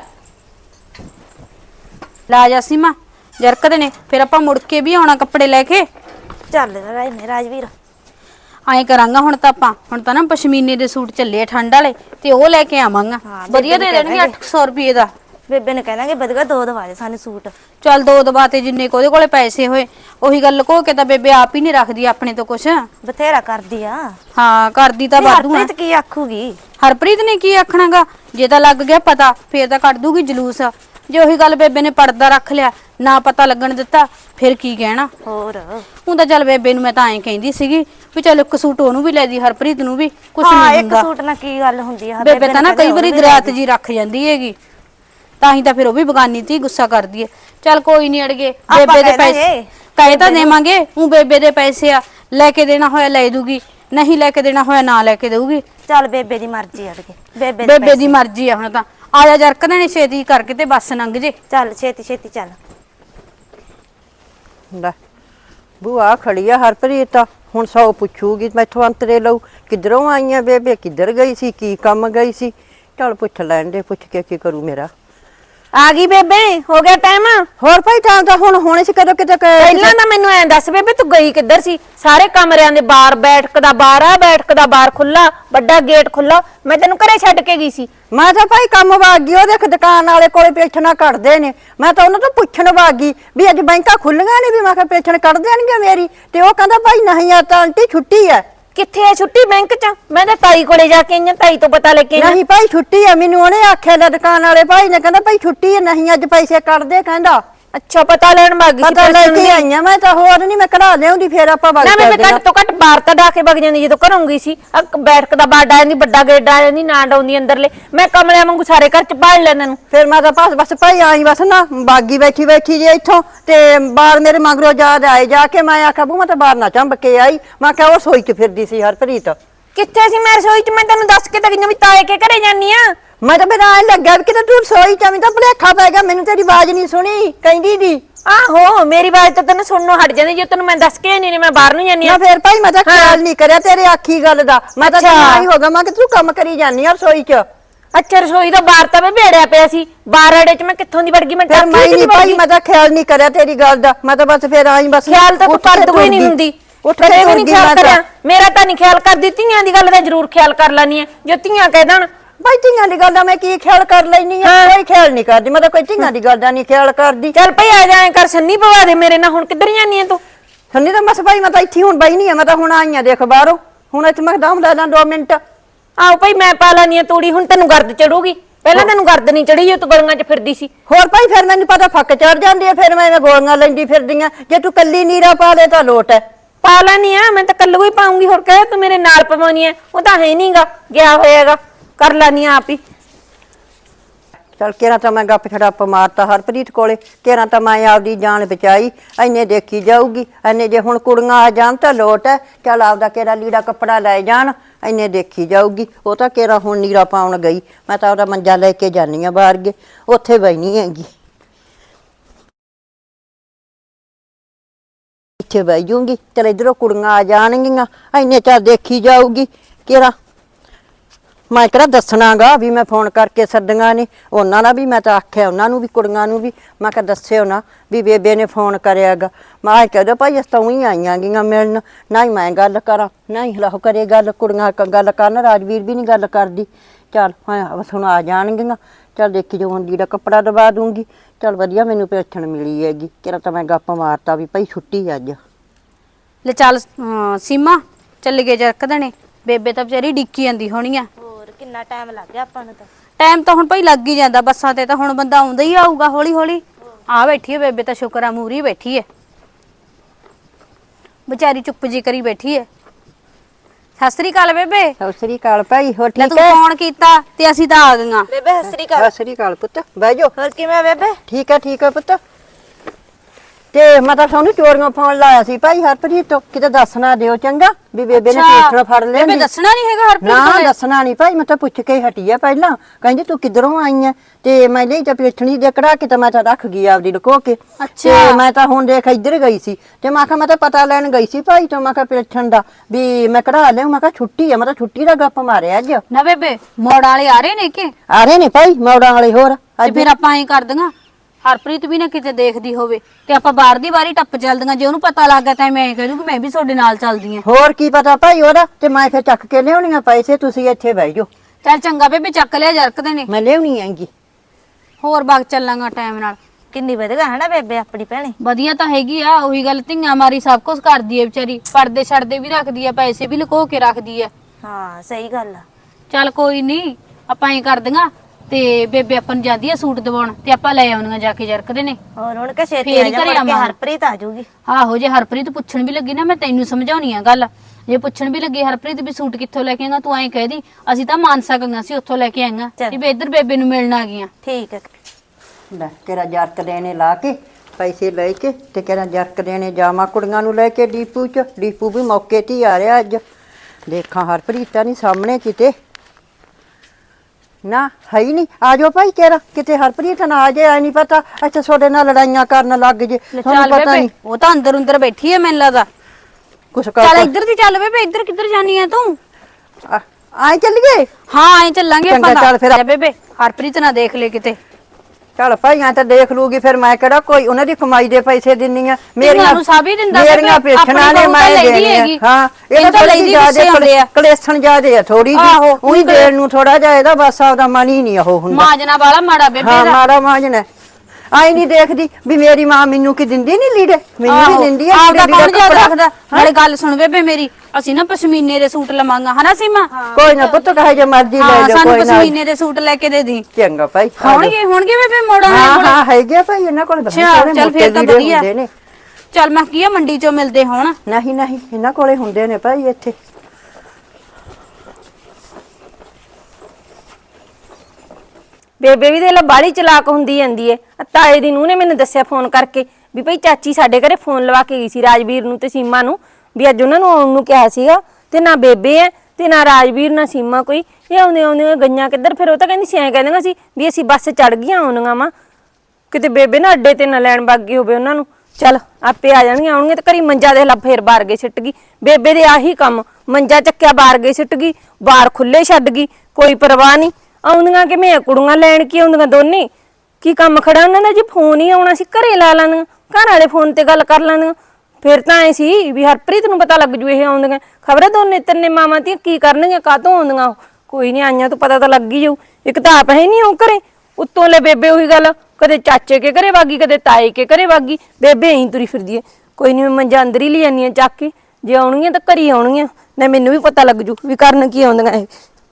ਲਾ ਜਾ ਸੀਮਾ, ਜਰਕਦੇ ਨੇ ਫਿਰ ਆਪਾਂ ਮੁੜ ਕੇ ਵੀ ਆਉਣਾ ਕੱਪੜੇ ਲੈ ਕੇ।
ਚੱਲ ਰਾਜ ਨੇ ਰਾਜਵੀਰ
ਐਂ ਕਰਾਂਗਾ ਹੁਣ ਤਾਂ ਆਪਾਂ ਹੁਣ ਤਾਂ ਨਾ ਪਸ਼ਮੀਨੇ ਦੇ ਸੂਟ ਚੱਲੇ ਆ ਠੰਡ ਵਾਲੇ ਤੇ ਉਹ ਲੈ ਕੇ ਆਵਾਂਗਾ। ਵਧੀਆ ਦੇ ਦੇਣਗੇ ਅੱਠ ਸੌ ਰੁਪਏ ਦਾ।
ਬੇਬੇ ਨੇ ਕਹਿਣਾ ਕਿ ਵਧੀਆ ਦੋ ਦਵਾ ਦੇ ਸਾਨੂੰ ਸੂਟ।
ਚੱਲ ਦੋ ਦਵਾ ਤੇ ਜਿੰਨੇ ਕੋ ਉਹਦੇ ਕੋਲੇ ਪੈਸੇ ਹੋਏ। ਉਹੀ ਗੱਲ ਕੋ ਕੇ ਤਾਂ ਬੇਬੇ ਆਪ ਹੀ ਨਹੀਂ ਰੱਖਦੀ ਆਪਣੇ ਤੋਂ ਕੁਛ।
ਬਥੇਰਾ ਕਰਦੀ ਆ।
ਹਾਂ ਕਰਦੀ ਤਾਂ ਵਾਧੂ ਆ।
ਹਰਪ੍ਰੀਤ ਕੀ ਆਖੂਗੀ?
ਹਰਪ੍ਰੀਤ ਨੇ ਕੀ ਆਖਣਾਗਾ, ਜੇ ਤਾਂ ਲੱਗ ਗਿਆ ਪਤਾ ਫੇਰ ਤਾਂ ਕੱਢ ਦੂਗੀ ਜਲੂਸ। ਜੇ ਉਹੀ ਗੱਲ ਬੇਬੇ ਨੇ ਪਰਦਾ ਰੱਖ ਲਿਆ, ਨਾ ਪਤਾ ਲੱਗਣ ਦਿੱਤਾ, ਫਿਰ ਕੀ ਕਹਿਣਾ।
ਹੋਰ
ਹੁਣ ਤਾਂ ਚੱਲ ਬੇਬੇ ਨੂੰ ਮੈਂ ਤਾਂ ਐਂ ਕਹਿੰਦੀ ਸੀਗੀ ਵੀ ਚੱਲ ਇੱਕ ਸੂਟ ਉਹਨੂੰ ਵੀ ਲੈ ਦੀ, ਹਰਪ੍ਰੀਤ ਨੂੰ ਵੀ ਕੁਛ
ਹਾਂ
ਨਹੀਂ
ਇੱਕ
ਹੁੰਦਾ।
ਸੂਟ ਨਾਲ ਕੀ ਗੱਲ ਹੁੰਦੀ ਆ?
ਬੇਬੇ ਤਾਂ ਨਾ ਕਈ ਵਾਰੀ ਦਰਿਆਤ ਜੀ ਰੱਖ ਜਾਂਦੀ ਹੈਗੀ, ਤਾਂ ਹੀ ਤਾਂ ਫਿਰ ਉਹ ਵੀ ਬਗਾਨੀ ਤੀ ਗੁੱਸਾ ਕਰਦੀ ਹੈ। ਚੱਲ ਕੋਈ ਨਹੀਂ ਅੜਗੇ, ਬੇਬੇ ਦੇ ਪੈਸੇ ਕਹੇ ਤਾਂ ਦੇਵਾਂਗੇ। ਉਹ ਬੇਬੇ ਦੇ ਪੈਸੇ ਆ, ਲੈ ਕੇ ਦੇਣਾ ਹੋਇਆ ਲੈ ਦੂਗੀ, ਨਹੀਂ ਲੈ ਕੇ ਦੇਣਾ ਹੋਇਆ ਨਾ ਲੈ ਕੇ ਦੇਊਗੀ।
ਚੱਲ ਬੇਬੇ ਦੀ ਮਰਜ਼ੀ ਅੜਗੇ, ਬੇਬੇ
ਬੇਬੇ ਦੀ ਮਰਜ਼ੀ ਆ। ਹੁਣ ਤਾਂ ਆ ਜਾ ਜਰਕ ਦੇਣੇ ਛੇਤੀ ਕਰਕੇ ਤੇ ਬੱਸ ਲੰਘ ਜੇ।
ਚੱਲ ਛੇਤੀ ਛੇਤੀ ਚੱਲ।
ਲੈ ਬੂਆ ਖੜੀ ਆ ਹਰਪ੍ਰੀਤ ਤਾਂ ਹੁਣ ਸੌ ਪੁੱਛੂਗੀ ਮੈਥੋਂ ਅੰਤਰੇ ਲਊ, ਕਿੱਧਰੋਂ ਆਈਆਂ ਬੇਬੇ, ਕਿੱਧਰ ਗਈ ਸੀ, ਕੀ ਕੰਮ ਗਈ ਸੀ। ਚੱਲ ਪੁੱਛ ਲੈਣ ਦੇ, ਪੁੱਛ ਕੇ ਕੀ ਕਰੂ ਮੇਰਾ।
ਆ ਗਈ ਬੇਬੇ, ਹੋ ਗਿਆ ਟਾਈਮ?
ਹੋਰ ਭਾਈ ਟਾਈਮ ਤਾਂ ਹੁਣ ਹੋਣੇ ਸੀ ਕਦੋਂ ਕਿਤੇ।
ਪਹਿਲਾਂ ਤਾਂ ਮੈਨੂੰ ਐਂ ਦੱਸ ਬੇਬੇ ਤੂੰ ਗਈ ਕਿੱਧਰ ਸੀ? ਸਾਰੇ ਕਮਰਿਆਂ ਦੇ ਬਾਹਰ ਬੈਠਕ ਦਾ ਬਾਹਰ ਆ, ਬੈਠਕ ਦਾ ਬਾਹਰ ਖੁੱਲਾ, ਵੱਡਾ ਗੇਟ ਖੁੱਲਾ, ਮੈਂ ਤੈਨੂੰ ਘਰੇ ਛੱਡ ਕੇ ਗਈ ਸੀ।
ਮੈਂ ਤਾਂ ਭਾਈ ਕੰਮ ਵਗ ਗਈ, ਉਹ ਦੇਖ ਦੁਕਾਨ ਵਾਲੇ ਕੋਲੇ ਪੇਛਣਾ ਕੱਢਦੇ ਨੇ। ਮੈਂ ਤਾਂ ਉਹਨਾਂ ਤੋਂ ਪੁੱਛਣ ਵਗ ਗਈ ਵੀ ਅੱਜ ਬੈਂਕਾਂ ਖੁੱਲੀਆਂ ਨੇ, ਵੀ ਮੈਂ ਕਿਹਾ ਪੇਛਣ ਕੱਢ ਦੇਣਗੇ ਮੇਰੀ। ਤੇ ਉਹ ਕਹਿੰਦਾ ਭਾਈ ਨਹੀਂ ਆ ਤਾਂ ਆਂਟੀ ਛੁੱਟੀ ਹੈ।
ਕਿੱਥੇ ਐ ਛੁੱਟੀ? ਬੈਂਕ ਚ? ਮੈਂ ਤਾਂ ਤਾਈ ਕੋਲੇ ਜਾ ਕੇ ਆਈ ਆਂ, ਤਾਈ ਤੋਂ ਪਤਾ ਲੈ ਕੇ ਆਈ ਆਂ।
ਨਹੀਂ ਭਾਈ ਛੁੱਟੀ ਹੈ, ਮੈਨੂੰ ਉਹਨੇ ਆਖਿਆ ਲੈ ਦੁਕਾਨ ਵਾਲੇ ਭਾਈ ਨੇ, ਕਹਿੰਦਾ ਭਾਈ ਛੁੱਟੀ ਹੈ, ਨਹੀਂ ਅੱਜ ਪੈਸੇ ਕੱਢਦੇ ਕਹਿੰਦਾ।
ਅੱਛਾ ਪਤਾ ਲੈਣ ਵਗ ਗਈ ਸੀ?
ਪਤਾ ਲੈ ਕੇ ਆਈਆਂ ਮੈਂ ਤਾਂ, ਹੋਰ ਨਹੀਂ ਮੈਂ ਕਢਾ ਲਿਆਉਂਦੀ ਫੇਰ ਆਪਾਂ ਵਗ
ਨਾ ਮੈਂ
ਚੱਲਦੇ
ਘੱਟ ਤੋਂ ਘੱਟ ਬਾਹਰ ਤਾਂ ਡਾ ਕੇ ਵਗ ਜਾਂਦੀ ਜਦੋਂ ਘਰੋਂ ਗਈ ਸੀ। ਆ ਬੈਠਕ ਦਾ ਬਾਹਰ ਡਾ ਜਾਂਦੀ, ਵੱਡਾ ਗੇਟ ਆ ਜਾਂਦੀ, ਨਾ ਡਾਉਂਦੀ ਅੰਦਰਲੇ। ਮੈਂ ਕਮਲਿਆਂ ਵਾਂਗੂ ਸਾਰੇ ਘਰ ਚ ਪਾੜ ਲੈਣ ਨੂੰ।
ਫਿਰ ਮੈਂ ਤਾਂ ਬਸ ਬਸ ਭਾਈ ਆਈ ਬਸ ਨਾ ਬਾਗੀ ਬੈਠੀ ਬੈਠੀ ਜੇ ਇੱਥੋਂ ਤੇ ਬਾਹਰ ਮੇਰੇ ਮਗਰੋਂ ਯਾਦ ਆਏ ਜਾ ਕੇ। ਮੈਂ ਆਖਿਆ ਬੂ ਮੈਂ ਤਾਂ ਬਾਹਰ ਨਾ ਚੰਬ ਕੇ ਆਈ। ਮੈਂ ਕਿਹਾ ਉਹ ਸੋਈ ਚ ਫਿਰਦੀ ਸੀ ਹਰਪ੍ਰੀਤ।
ਕਿੱਥੇ ਸੀ ਮੈਂ ਰਸੋਈ ਚ? ਮੈਂ ਤੈਨੂੰ ਦੱਸ ਕੇ ਤਾਂ ਗਈ ਵੀ ਤਾਏ ਕੇ ਘਰੇ ਜਾਨੀ ਆ।
ਮੈਂ ਤਾਂ ਮੇਰਾ ਐਂ ਲੱਗਿਆ ਵੀ ਕਿਤੇ ਤੂੰ ਰਸੋਈ ਚ ਆਵੀਂ, ਤਾਂ ਭੁਲੇਖਾ ਪੈ ਗਿਆ ਮੈਨੂੰ, ਤੇਰੀ ਆਵਾਜ਼ ਨਹੀਂ ਸੁਣੀ ਕਹਿੰਦੀ ਦੀ।
ਆਹੋ ਮੇਰੀ ਆਵਾਜ਼ ਤਾਂ ਤੈਨੂੰ ਸੁਣਨੋਂ ਹਟ ਜਾਂਦੀ ਜੇ ਤੈਨੂੰ ਮੈਂ ਦੱਸ ਕੇ ਨਹੀਂ ਮੈਂ ਬਾਹਰ ਨੂੰ ਜਾਨੀ ਆ।
ਨਾ ਫਿਰ ਭਾਈ ਮੈਂ ਤਾਂ ਖਿਆਲ ਨਹੀਂ ਕਰਿਆ ਤੇਰੇ ਆਖੀ ਗੱਲ ਦਾ। ਮੈਂ ਤਾਂ ਨਹੀਂ ਹੋ ਗਿਆ, ਮੈਂ ਕਿ ਤੂੰ ਕੰਮ ਕਰੀ ਜਾਨੀ ਆ ਰਸੋਈ ਚ।
ਅੱਛਾ ਰਸੋਈ ਦਾ ਬਾਹਰ ਤਾਂ ਮੈਂ ਭੇੜਿਆ ਪਿਆ ਸੀ, ਬਾਹਰ ਅੜੇ ਚ ਮੈਂ ਕਿੱਥੋਂ ਦੀ ਵੜ ਗਈ? ਮੈਂ
ਫਿਰ ਮੈਂ ਨਹੀਂ ਭਾਈ, ਮੈਂ ਤਾਂ ਖਿਆਲ ਨਹੀਂ ਕਰਿਆ ਤੇਰੀ ਗੱਲ ਦਾ। ਮੈਂ ਤਾਂ ਬਸ ਫਿਰ ਆਈ ਬਸ।
ਖਿਆਲ ਤਾਂ ਤੂੰ ਕਰਦੀ ਕੋਈ ਨਹੀਂ ਹੁੰਦੀ,
ਉੱਠ
ਕਦੇ ਵੀ ਨਹੀਂ ਖਿਆਲ ਕਰਿਆ ਮੇਰਾ। ਤਾਂ ਨਹੀਂ ਖਿਆਲ ਕਰਦੀ, ਧੀਆਂ ਦੀ ਗੱਲ ਦਾ ਜ਼ਰੂਰ ਖਿਆਲ ਕਰ ਲੈਣੀ ਹੈ। ਜੋ ਧੀਆਂ ਕਹਿ ਦੇਣ
ਭਾਈ ਧੀਆਂ ਦੀ ਗੱਲ ਦਾ ਮੈਂ ਕੀ ਖਿਆਲ ਕਰ ਲੈਣੀ ਆ? ਕੋਈ ਖਿਆਲ ਨਹੀਂ ਕਰਦੀ ਮੈਂ ਤਾਂ, ਕੋਈ ਧੀਆਂ ਦੀ ਗੱਲ ਦਾ ਨਹੀਂ ਖਿਆਲ ਕਰਦੀ।
ਚੱਲ ਭਈ ਆ ਜਾ, ਐਂ ਕਰ ਸੰਨੀ ਪਵਾ ਦੇ ਮੇਰੇ ਨਾਲ। ਹੁਣ ਕਿੱਧਰ ਜਾਨੀ ਐ ਤੂੰ?
ਸੰਨੀ ਤਾਂ ਬਸ ਭਾਈ ਮੈਂ ਤਾਂ ਇੱਥੇ ਹੁਣ ਬਈ ਨਹੀਂ ਆ, ਮੈਂ ਤਾਂ ਹੁਣ ਆਈ ਆ ਦੇਖ ਬਾਹਰੋਂ। ਹੁਣ ਇੱਥੇ ਮੈਂ ਦਮ ਲੈ ਲਾਂ ਦੋ ਮਿੰਟ।
ਆਓ ਭਈ ਮੈਂ ਪਾ ਲੈਣੀ ਆ ਤੂੜੀ, ਹੁਣ ਤੈਨੂੰ ਗਰਦ ਚੜੂਗੀ। ਪਹਿਲਾਂ ਤੈਨੂੰ ਗਰਦ ਨਹੀਂ ਚੜੀ ਜੇ ਤੂੰ ਗਲੀਆਂ 'ਚ ਫਿਰਦੀ ਸੀ।
ਹੋਰ ਭਾਈ ਫਿਰ ਮੈਨੂੰ ਪਤਾ ਫੱਕ ਚੜ ਜਾਂਦੀ ਹੈ, ਫਿਰ ਮੈਂ ਗੋਲੀਆਂ ਲੈਂਦੀ ਫਿਰਦੀਆਂ। ਜੇ ਤੂੰ ਕੱਲੀ ਨੀਰਾ ਪਾ ਦੇ ਤਾਂ ਲੋਟ ਹੈ।
ਪਾ ਲੈਣੀ ਆ ਮੈਂ ਤਾਂ ਕੱਲੂ ਹੀ ਪਾਉਂਗੀ। ਹੋਰ ਕਹੇ ਤੂੰ ਮੇਰੇ ਨਾਲ ਪਵਾਉਣੀ ਐ? ਉਹ ਤਾਂ ਹੈ ਨਹੀਂਗਾ, ਗਿਆ ਹੋਏਗਾ। ਕਰ ਲੈਣੀ ਆ ਆਪ ਹੀ।
ਚੱਲ ਕੇਰਾ ਤਾਂ ਮੈਂ ਗੱਪ ਛੜਾਪ ਮਾਰਤਾ ਹਰਪ੍ਰੀਤ ਕੋਲੇ, ਕੇਰਾ ਤਾਂ ਮੈਂ ਆਪਦੀ ਜਾਨ ਬਚਾਈ। ਐਨੇ ਦੇਖੀ ਜਾਊਗੀ, ਐਨੇ ਜੇ ਹੁਣ ਕੁੜੀਆਂ ਆ ਜਾਣ ਤਾਂ ਲੋਟ ਹੈ। ਚੱਲ ਆਪਦਾ ਕੇਰਾ ਲੀੜਾ ਕੱਪੜਾ ਲੈ ਜਾਣ, ਐਨੇ ਦੇਖੀ ਜਾਊਗੀ। ਉਹ ਤਾਂ ਕੇਰਾ ਹੁਣ ਨੀਰਾ ਪਾਉਣ ਗਈ, ਮੈਂ ਤਾਂ ਉਹਦਾ ਮੰਜਾ ਲੈ ਕੇ ਜਾਨੀ ਆ ਬਾਹਰ ਗੇ, ਉੱਥੇ ਬੈਣੀ ਹੈਗੀ। ਇੱਥੇ ਬਹਿ ਜੂੰਗੀ, ਚੱਲ ਇੱਧਰੋਂ ਕੁੜੀਆਂ ਆ ਜਾਣਗੀਆਂ, ਐਨੇ ਚੱਲ ਦੇਖੀ ਜਾਊਗੀ। ਕੇਰਾ ਮੈਂ ਕਿਹੜਾ ਦੱਸਣਾਗਾ ਵੀ ਮੈਂ ਫੋਨ ਕਰਕੇ ਸੱਦੀਆਂ ਨੇ ਉਹਨਾਂ ਨਾਲ ਵੀ। ਮੈਂ ਤਾਂ ਆਖਿਆ ਉਹਨਾਂ ਨੂੰ ਵੀ, ਕੁੜੀਆਂ ਨੂੰ ਵੀ, ਮੈਂ ਕਿਹਾ ਦੱਸਿਓ ਨਾ ਵੀ ਬੇਬੇ ਨੇ ਫੋਨ ਕਰਿਆਗਾ। ਮੈਂ ਕਹਿ ਦੋ ਭਾਈ ਅਸੀਂ ਤਾਂ ਉਹੀ ਆਈਆਂ ਗੀਆਂ ਮਿਲਣ, ਨਾ ਹੀ ਮੈਂ ਗੱਲ ਕਰਾਂ ਨਾ ਹੀ ਲਾਹ ਕਰੇ ਗੱਲ। ਕੁੜੀਆਂ ਗੱਲ ਕਰਨ, ਰਾਜਵੀਰ ਵੀ ਨਹੀਂ ਗੱਲ ਕਰਦੀ। ਚੱਲ ਹਾਂ ਬਸ ਹੁਣ ਆ ਜਾਣਗੀਆਂ। ਚੱਲ ਦੇਖੀ ਜੋ ਹੁਣ ਲੀੜਾ ਕੱਪੜਾ ਦਵਾ ਦੂੰਗੀ। ਚੱਲ ਵਧੀਆ ਮੈਨੂੰ ਪੈਨਸ਼ਨ ਮਿਲੀ ਹੈਗੀ। ਕਿਹੜਾ ਤਾਂ ਮੈਂ ਗੱਪ ਮਾਰਤਾ ਵੀ ਭਾਈ ਛੁੱਟੀ ਅੱਜ।
ਲੈ ਚੱਲ ਸੀਮਾ ਚੱਲ ਗਏ ਜਰਕ ਦੇਣੇ। ਬੇਬੇ ਤਾਂ ਵਿਚਾਰੀ ਡਿੱਕੀ ਜਾਂਦੀ ਹੋਣੀ ਆ।
ਕਿੰਨਾ ਟਾਈਮ ਲੱਗ ਗਿਆ ਆਪਾਂ ਨੂੰ ਤਾਂ।
ਟਾਈਮ ਤਾਂ ਹੁਣ ਭਾਈ ਲੱਗ ਹੀ ਜਾਂਦਾ ਬੱਸਾਂ ਤੇ, ਤਾਂ ਹੁਣ ਬੰਦਾ ਆਉਂਦਾ ਹੀ ਆਊਗਾ ਹੌਲੀ ਹੌਲੀ। ਆ ਬੈਠੀ ਹੈ ਬੇਬੇ ਤਾਂ, ਸ਼ੁਕਰ ਆ ਮੂਰੀ ਬੈਠੀ ਹੈ ਵਿਚਾਰੀ, ਚੁੱਪ ਜੀ ਕਰੀ ਬੈਠੀ ਹੈ। ਸਤਿ ਸ੍ਰੀ ਅਕਾਲ ਬੇਬੇ।
ਸਤਿ ਸ੍ਰੀ ਅਕਾਲ ਭਾਈ, ਹੋ
ਲੈ
ਠੀਕ
ਤੂੰ
ਹੈ?
ਫੋਨ ਕੀਤਾ ਤੇ ਅਸੀਂ ਤਾਂ ਆ ਗਈਆਂ।
ਬੇਬੇ ਸਤਿ ਸ੍ਰੀ ਅਕਾਲ।
ਸਤਿ ਸ੍ਰੀ ਅਕਾਲ ਪੁੱਤ, ਬਹਿ ਜਾ।
ਹੋਰ ਕਿਵੇਂ ਆ ਬੇਬੇ?
ਠੀਕ ਹੈ ਠੀਕ ਹੈ ਪੁੱਤ। ਤੇ ਮੈਂ ਤਾਂ ਤੁਹਾਨੂੰ ਚੋਰੀਆਂ ਫੋਨ ਲਾਇਆ ਸੀ ਭਾਈ ਹਰਪ੍ਰੀਤ ਤੋਂ, ਕਿਤੇ ਦੱਸਣਾ ਦਿਓ ਚੰਗਾ ਵੀ ਬੇਬੇ ਨੇ
ਅੱਛਾ,
ਪੇਠੜਾ ਫੜ ਲਿਆ।
ਬੇਬੇ ਦੱਸਣਾ ਨਹੀਂ ਹੈਗਾ ਹਰਪ੍ਰੀਤ
ਨਾ
ਕੋਲੇ?
ਦੱਸਣਾ ਨਹੀਂ ਭਾਈ, ਮੈਂ ਤਾਂ ਪੁੱਛ ਕੇ ਹੀ ਹਟੀ ਆ ਪਹਿਲਾਂ। ਕਹਿੰਦੀ ਤੂੰ ਕਿੱਧਰੋਂ ਆਈ ਐ? ਤੇ ਮੈਂ ਲਈ ਤਾਂ ਪੇਠਣੀ ਦੇ ਕੜਾ ਕੇ ਤਾਂ ਮੈਂ ਤਾਂ ਰੱਖ ਗਈ ਆਪਦੀ ਲੁਕੋ ਕੇ।
ਅੱਛਾ।
ਤੇ ਮੈਂ ਤਾਂ ਹੁਣ ਦੇਖ ਇੱਧਰ ਗਈ ਸੀ ਤੇ ਮੈਂ ਕਿਹਾ ਮੈਂ ਤਾਂ ਪਤਾ ਲੈਣ ਗਈ ਸੀ ਭਾਈ ਤੋਂ, ਮੈਂ ਕਿਹਾ ਪੇਠਣ ਦਾ ਵੀ ਮੈਂ ਕਢਾ ਲਿਆ। ਮੈਂ ਕਿਹਾ ਛੁੱਟੀ ਆ, ਮੈਂ ਤਾਂ ਛੁੱਟੀ ਦਾ ਗੱਪ ਮਾਰਿਆ ਅੱਜ।
ਨਾ ਬੇਬੇ ਮੋੜ ਵਾਲੇ ਆ ਰਹੇ ਨੇ ਕਿ?
ਆ ਰਹੇ ਨੇ ਭਾਈ ਮੌੜਾਂ ਵਾਲੇ। ਹੋਰ
ਤੇ ਫਿਰ ਆਪਾਂ ਐਂ ਕਰ ਦਾਂਗਾ, ਹਰਪ੍ਰੀਤ ਵੀ ਨਾ ਕਿਤੇ ਦੇਖਦੀ ਹੋਵੇ ਤੇ ਆਪਾਂ ਬਾਹਰ ਦੀ ਵਾਰੀ ਟੱਪ ਚੱਲਦੀਆਂ। ਜੇ ਉਹਨੂੰ ਪਤਾ ਲੱਗ ਗਿਆ ਤਾਂ ਮੈਂ ਇਹ ਕਹਿ ਦੂੰ ਕਿ ਮੈਂ ਵੀ ਤੁਹਾਡੇ ਨਾਲ ਚੱਲਦੀ ਆਂ।
ਹੋਰ ਕੀ ਪਤਾ ਭਾਈ ਉਹਦਾ। ਤੇ ਮੈਂ ਫਿਰ ਚੱਕ ਕੇ ਲਿਆਉਣੀਆਂ ਪੈਸੇ, ਤੁਸੀਂ ਇੱਥੇ ਬਹਿ ਜਾਓ।
ਚੱਲ ਚੰਗਾ ਬੇਬੇ, ਚੱਕ ਲਿਆ ਜਰਕਦੇ ਨੇ।
ਮੈਂ ਲਿਆਉਣੀ ਆਂਗੀ।
ਹੋਰ ਬਾਗ ਚੱਲਾਂਗਾ ਟਾਈਮ ਨਾਲ।
ਕਿੰਨੀ ਵਧੀਆ ਹੈ ਨਾ ਬੇਬੇ ਆਪਣੀ ਭੈਣੇ।
ਵਧੀਆ ਤਾਂ ਹੈਗੀ ਆ, ਉਹੀ ਗੱਲ, ਧੀਆਂ ਮਾਰੀ ਸਭ ਕੁਝ ਕਰਦੀ ਏ ਵਿਚਾਰੀ। ਪਰਦੇ ਛੱਡਦੇ ਵੀ ਰੱਖਦੀ ਆ, ਪੈਸੇ ਵੀ ਲੁਕੋ ਕੇ ਰੱਖਦੀ ਆ।
ਹਾਂ ਸਹੀ ਗੱਲ ਆ।
ਚੱਲ ਕੋਈ ਨਹੀਂ, ਆਪਾਂ ਐਂ ਕਰ ਦਾਂਗਾ। ਤੇ ਬੇਬੇ ਆਪਾਂ ਨੂੰ ਜਾਂਦੀ ਆ ਸੂਟ ਦਿਵਾਉਣ ਤੇ ਆਪਾਂ ਲੈ ਆਉਣੀਆਂ ਜਾ ਕੇ ਜਰਕਦੇ ਨੇ।
ਹੋਰ ਹੁਣ ਕਿ ਛੇਤੀ
ਫੇਰ
ਆ
ਹੀ
ਜਾ,
ਘਰੇ
ਮੁੜ ਕੇ
ਆਵਾਂਗੇ।
ਹਰਪ੍ਰੀਤ ਆ ਜਾਊਗੀ।
ਆਹੋ, ਜੇ ਹਰਪ੍ਰੀਤ ਪੁੱਛਣ ਵੀ ਲੱਗੀ ਨਾ, ਮੈਂ ਤੈਨੂੰ ਸਮਝਾਉਣੀ ਆ ਗੱਲ। ਜੇ ਪੁੱਛਣ ਵੀ ਲੱਗੀ ਹਰਪ੍ਰੀਤ ਵੀ ਸੂਟ ਕਿੱਥੋਂ ਲੈ ਕੇ ਆਂਗਾ, ਤੂੰ ਐਂ ਕਹਿ ਦੀ ਅਸੀਂ ਤਾਂ ਮਾਨਸਾ ਗਈਆਂ ਸੀ, ਉੱਥੋਂ ਲੈ ਕੇ ਆਈਆਂ
ਚੱਲ।
ਵੀ ਇੱਧਰ ਬੇਬੇ ਨੂੰ ਮਿਲਣ ਆ ਗਈਆਂ।
ਠੀਕ ਹੈ।
ਲੈ ਤੇਰਾ ਜਰਕ ਦੇਣੇ ਲਾ ਕੇ ਪੈਸੇ ਲੈ ਕੇ ਤੇ ਕਿਹੜਾ ਜਰਕ ਦੇਣੇ ਜਾਵਾਂ ਕੁੜੀਆਂ ਨੂੰ ਲੈ ਕੇ ਡੀਪੂ ਚ। ਡੀਪੂ ਵੀ ਮੌਕੇ ਤੇ ਹੀ ਆ ਰਿਹਾ ਅੱਜ। ਦੇਖਾਂ ਹਰਪ੍ਰੀਤ ਤਾਂ ਨਹੀਂ ਸਾਹਮਣੇ ਕਿਤੇ। ਨਾ ਹੈ ਹੀ ਨਹੀਂ। ਆ ਜਾਓ ਭਾਈ ਕਿਹੜਾ ਕਿਤੇ ਹਰਪ੍ਰੀਤ ਨਾ ਆ ਜੇ। ਐ ਨਹੀਂ ਪਤਾ ਅੱਛਾ ਤੁਹਾਡੇ ਨਾਲ ਲੜਾਈਆਂ ਕਰਨ ਲੱਗ ਜੇ, ਤੁਹਾਨੂੰ
ਚੱਲ
ਪਤਾ
ਬੇਬੇ,
ਨਹੀਂ
ਉਹ ਤਾਂ ਅੰਦਰ ਅੰਦਰ ਬੈਠੀ ਐ ਮੈਨੂੰ ਲੱਗਦਾ।
ਕੁਛ
ਚੱਲ
ਕਰ।
ਇੱਧਰ ਦੀ ਚੱਲ ਬੇਬੇ, ਇੱਧਰ ਕਿੱਧਰ ਜਾਨੀ ਆ ਤੂੰ?
ਆਏ ਚੱਲੀਏ।
ਹਾਂ ਐਂ ਚੱਲਾਂਗੇ
ਚੰਗਾ,
ਆਪਾਂ।
ਚੱਲ ਫਿਰ।
ਲੈ ਬੇਬੇ, ਹਰਪ੍ਰੀਤ ਨਾ ਦੇਖ ਲੈ ਕਿਤੇ।
ਚੱਲ ਭਾਈ ਐ ਤਾਂ ਦੇਖ ਲੂਗੀ ਫਿਰ। ਮੈਂ ਕਿਹੜਾ ਕੋਈ ਉਹਨਾਂ ਦੀ ਕਮਾਈ ਦੇ ਪੈਸੇ ਦਿੰਨੀ ਆ?
ਧੀਆਂ ਨੂੰ ਸਭ ਹੀ ਦਿੰਦਾ ਬੇਬੇ,
ਮੇਰੀਆਂ ਪੇਛਣਾ
ਆਪਣੀ
ਨੇ
ਬਹੂ
ਮੈਂ
ਤਾਂ ਲੈਂਦੀ
ਦੇਣੀ ਆ।
ਹੈਗੀ।
ਹਾਂ
ਇਹਨੂੰ ਤਾਂ
ਥੋੜ੍ਹੀ
ਲੈਂਦੀ
ਜ਼ਿਆਦੇ
ਗੁੱਸੇ ਆਉਂਦੇ ਆ।
ਕਲੇਸ਼ਣ ਜਾਦੇ ਆ ਥੋੜੀ
ਆਹੋ,
ਜਿਹੀ। ਉਹੀ ਦੇਣ ਨੂੰ ਥੋੜਾ ਜਿਹਾ ਇਹਦਾ ਬਸ ਆਪਦਾ ਮਨ ਹੀ ਨਹੀਂ ਉਹ ਹੁੰਦਾ।
ਮਾਜਨਾ ਵਾਲਾ ਮਾੜਾ ਬੇਬੇ
ਹਾਂ
ਦਾ।
ਮਾੜਾ ਮਾਜਨਾ। ਆਈ ਨਹੀਂ ਦੇਖਦੀ ਵੀ ਮੇਰੀ ਮਾਂ ਮੈਨੂੰ ਕੀ ਦਿੰਦੀ ਨਹੀਂ ਲੀੜੇ? ਮੈਨੂੰ ਵੀ ਦਿੰਦੀ ਆ
ਆਪਦਾ
ਲੀੜੇ
ਕੌਣ
ਦਾ
ਯਾਦ
ਕੱਪੜਾ।
ਰੱਖਦਾ? ਨਾਲੇ ਗੱਲ ਸੁਣ ਬੇਬੇ ਮੇਰੀ, ਅਸੀਂ ਨਾ ਪਸ਼ਮੀਨੇ ਦੇ ਸੂਟ ਲਵਾਂਗਾ, ਹਨਾ ਸੀਮਾ?
ਕੋਈ ਨਾ ਪੁੱਤ ਕਹੇ ਜੇ ਮਰਜ਼ੀ ਲੈ
ਹਾਂ,
ਜਾ,
ਸਾਨੂੰ
ਕੋਈ ਨਾ।
ਪਸ਼ਮੀਨੇ ਦੇ ਸੂਟ ਲੈ ਕੇ ਦੇ ਦੀ।
ਚੰਗਾ ਭਾਈ। ਆ ਜਾਓ।
ਹੋਣਗੇ ਹੋਣਗੇ ਬੇਬੇ ਮੋੜਾਂ
ਹਾਂ
ਕੋਲ?
ਹਾਂ ਹੈਗੇ ਭਾਈ ਇਹਨਾਂ ਕੋਲ।
ਅੱਛਾ, ਚੱਲ ਫਿਰ ਤਾਂ ਵਧੀਆ। ਚੱਲ ਮੈਂ ਕੀ ਆ, ਮੰਡੀ ਚੋਂ ਮਿਲਦੇ ਹੁਣ।
ਨਹੀਂ ਨਹੀਂ ਇਹਨਾਂ ਕੋਲੇ ਹੁੰਦੇ ਨੇ ਭਾਈ ਇੱਥੇ।
ਬੇਬੇ ਵੀ ਦੇਖ ਲਾ ਬਾਹਲੀ ਚਲਾਕ ਹੁੰਦੀ ਜਾਂਦੀ ਏ। ਤਾਏ ਦੀ ਨੂੰਹ ਨੇ ਮੈਨੂੰ ਦੱਸਿਆ ਫੋਨ ਕਰਕੇ ਵੀ ਭਾਈ ਚਾਚੀ ਸਾਡੇ ਘਰੇ ਫੋਨ ਲਵਾ ਕੇ ਗਈ ਸੀ ਰਾਜਵੀਰ ਨੂੰ ਤੇ ਸੀਮਾ ਨੂੰ, ਵੀ ਅੱਜ ਉਹਨਾਂ ਨੂੰ ਆਉਣ ਨੂੰ ਕਿਹਾ ਸੀਗਾ। ਤੇ ਨਾ ਬੇਬੇ ਐ ਤੇ ਨਾ ਰਾਜਵੀਰ ਨਾ ਸੀਮਾ ਕੋਈ। ਇਹ ਆਉਂਦੇ ਆਉਂਦੇ ਗਈਆਂ ਕਿੱਧਰ? ਫਿਰ ਉਹ ਤਾਂ ਕਹਿੰਦੀ ਸੀ ਐਂ ਕਹਿੰਦੀਆਂ ਸੀ ਵੀ ਅਸੀਂ ਬੱਸ ਚੜ ਗਈਆਂ ਆਉਣੀਆਂ ਵਾ। ਕਿਤੇ ਬੇਬੇ ਨਾ ਅੱਡੇ ਤੇ ਨਾ ਲੈਣ ਵਗ ਗਈ ਹੋਵੇ ਉਹਨਾਂ ਨੂੰ। ਚੱਲ ਆਪੇ ਆ ਜਾਣਗੀਆਂ, ਆਉਣਗੇ ਤੇ ਘਰੀ ਮੰਜਾ ਦੇ ਲਾ ਫੇਰ ਬਾਹਰ ਗਏ ਸਿੱਟ ਗਈ। ਬੇਬੇ ਦੇ ਆਹੀ ਕੰਮ, ਮੰਜਾ ਚੱਕਿਆ ਬਾਹਰ ਗਏ ਸਿੱਟ ਗਈ, ਬਾਹਰ ਖੁੱਲੇ ਛੱਡ ਗਈ, ਕੋਈ ਪਰਵਾਹ ਨਹੀਂ। ਆਉਂਦੀਆਂ ਕਿਵੇਂ ਕੁੜੀਆਂ ਲੈਣ ਕੀ ਆਉਂਦੀਆਂ ਦੋਨੇ? ਕੀ ਕੰਮ ਖੜਾ ਉਹਨਾਂ ਦਾ? ਜੀ ਫੋਨ ਹੀ ਆਉਣਾ ਸੀ ਘਰੇ ਲਾ ਲੈਂਦੀਆਂ, ਘਰ ਵਾਲੇ ਫੋਨ ਤੇ ਗੱਲ ਕਰ ਲੈਂਦੀਆਂ। ਫਿਰ ਤਾਂ ਐ ਸੀ ਵੀ ਹਰਪ੍ਰੀਤ ਨੂੰ ਪਤਾ ਲੱਗ ਜੂ ਇਹ ਆਉਂਦੀਆਂ। ਖਬਰ ਦੋਨੇ ਤਿੰਨੇ ਮਾਵਾਂ ਧੀਆਂ ਕੀ ਕਰਨਗੀਆਂ, ਕਾਹਤੋਂ ਆਉਂਦੀਆਂ? ਕੋਈ ਨਹੀਂ, ਆਈਆਂ ਤੋਂ ਪਤਾ ਤਾਂ ਲੱਗ ਹੀ ਜਾਊ। ਇੱਕ ਤਾਂ ਆਪ ਹੈ ਨਹੀਂ ਉਹ ਘਰੇ, ਉੱਤੋਂ ਲੈ ਬੇਬੇ ਉਹੀ ਗੱਲ, ਕਦੇ ਚਾਚੇ ਕੇ ਘਰੇ ਵਾਗੀ, ਕਦੇ ਤਾਏ ਕੇ ਘਰੇ ਵਾਗੀ। ਬੇਬੇ ਐਂ ਤੁਰੀ ਫਿਰਦੀ ਏ। ਕੋਈ ਨਹੀਂ, ਮੈਂ ਮੰਜਾ ਅੰਦਰ ਹੀ ਲੈ ਜਾਂਦੀ ਆ ਚੱਕ ਕੇ। ਜੇ ਆਉਣਗੀਆਂ ਤਾਂ ਘਰੀ ਆਉਣਗੀਆਂ, ਨਾ ਮੈਨੂੰ ਵੀ ਪਤਾ ਲੱਗ ਜੂ ਵੀ ਕਰਨ ਕੀ ਆਉਂਦੀਆਂ ਇਹ।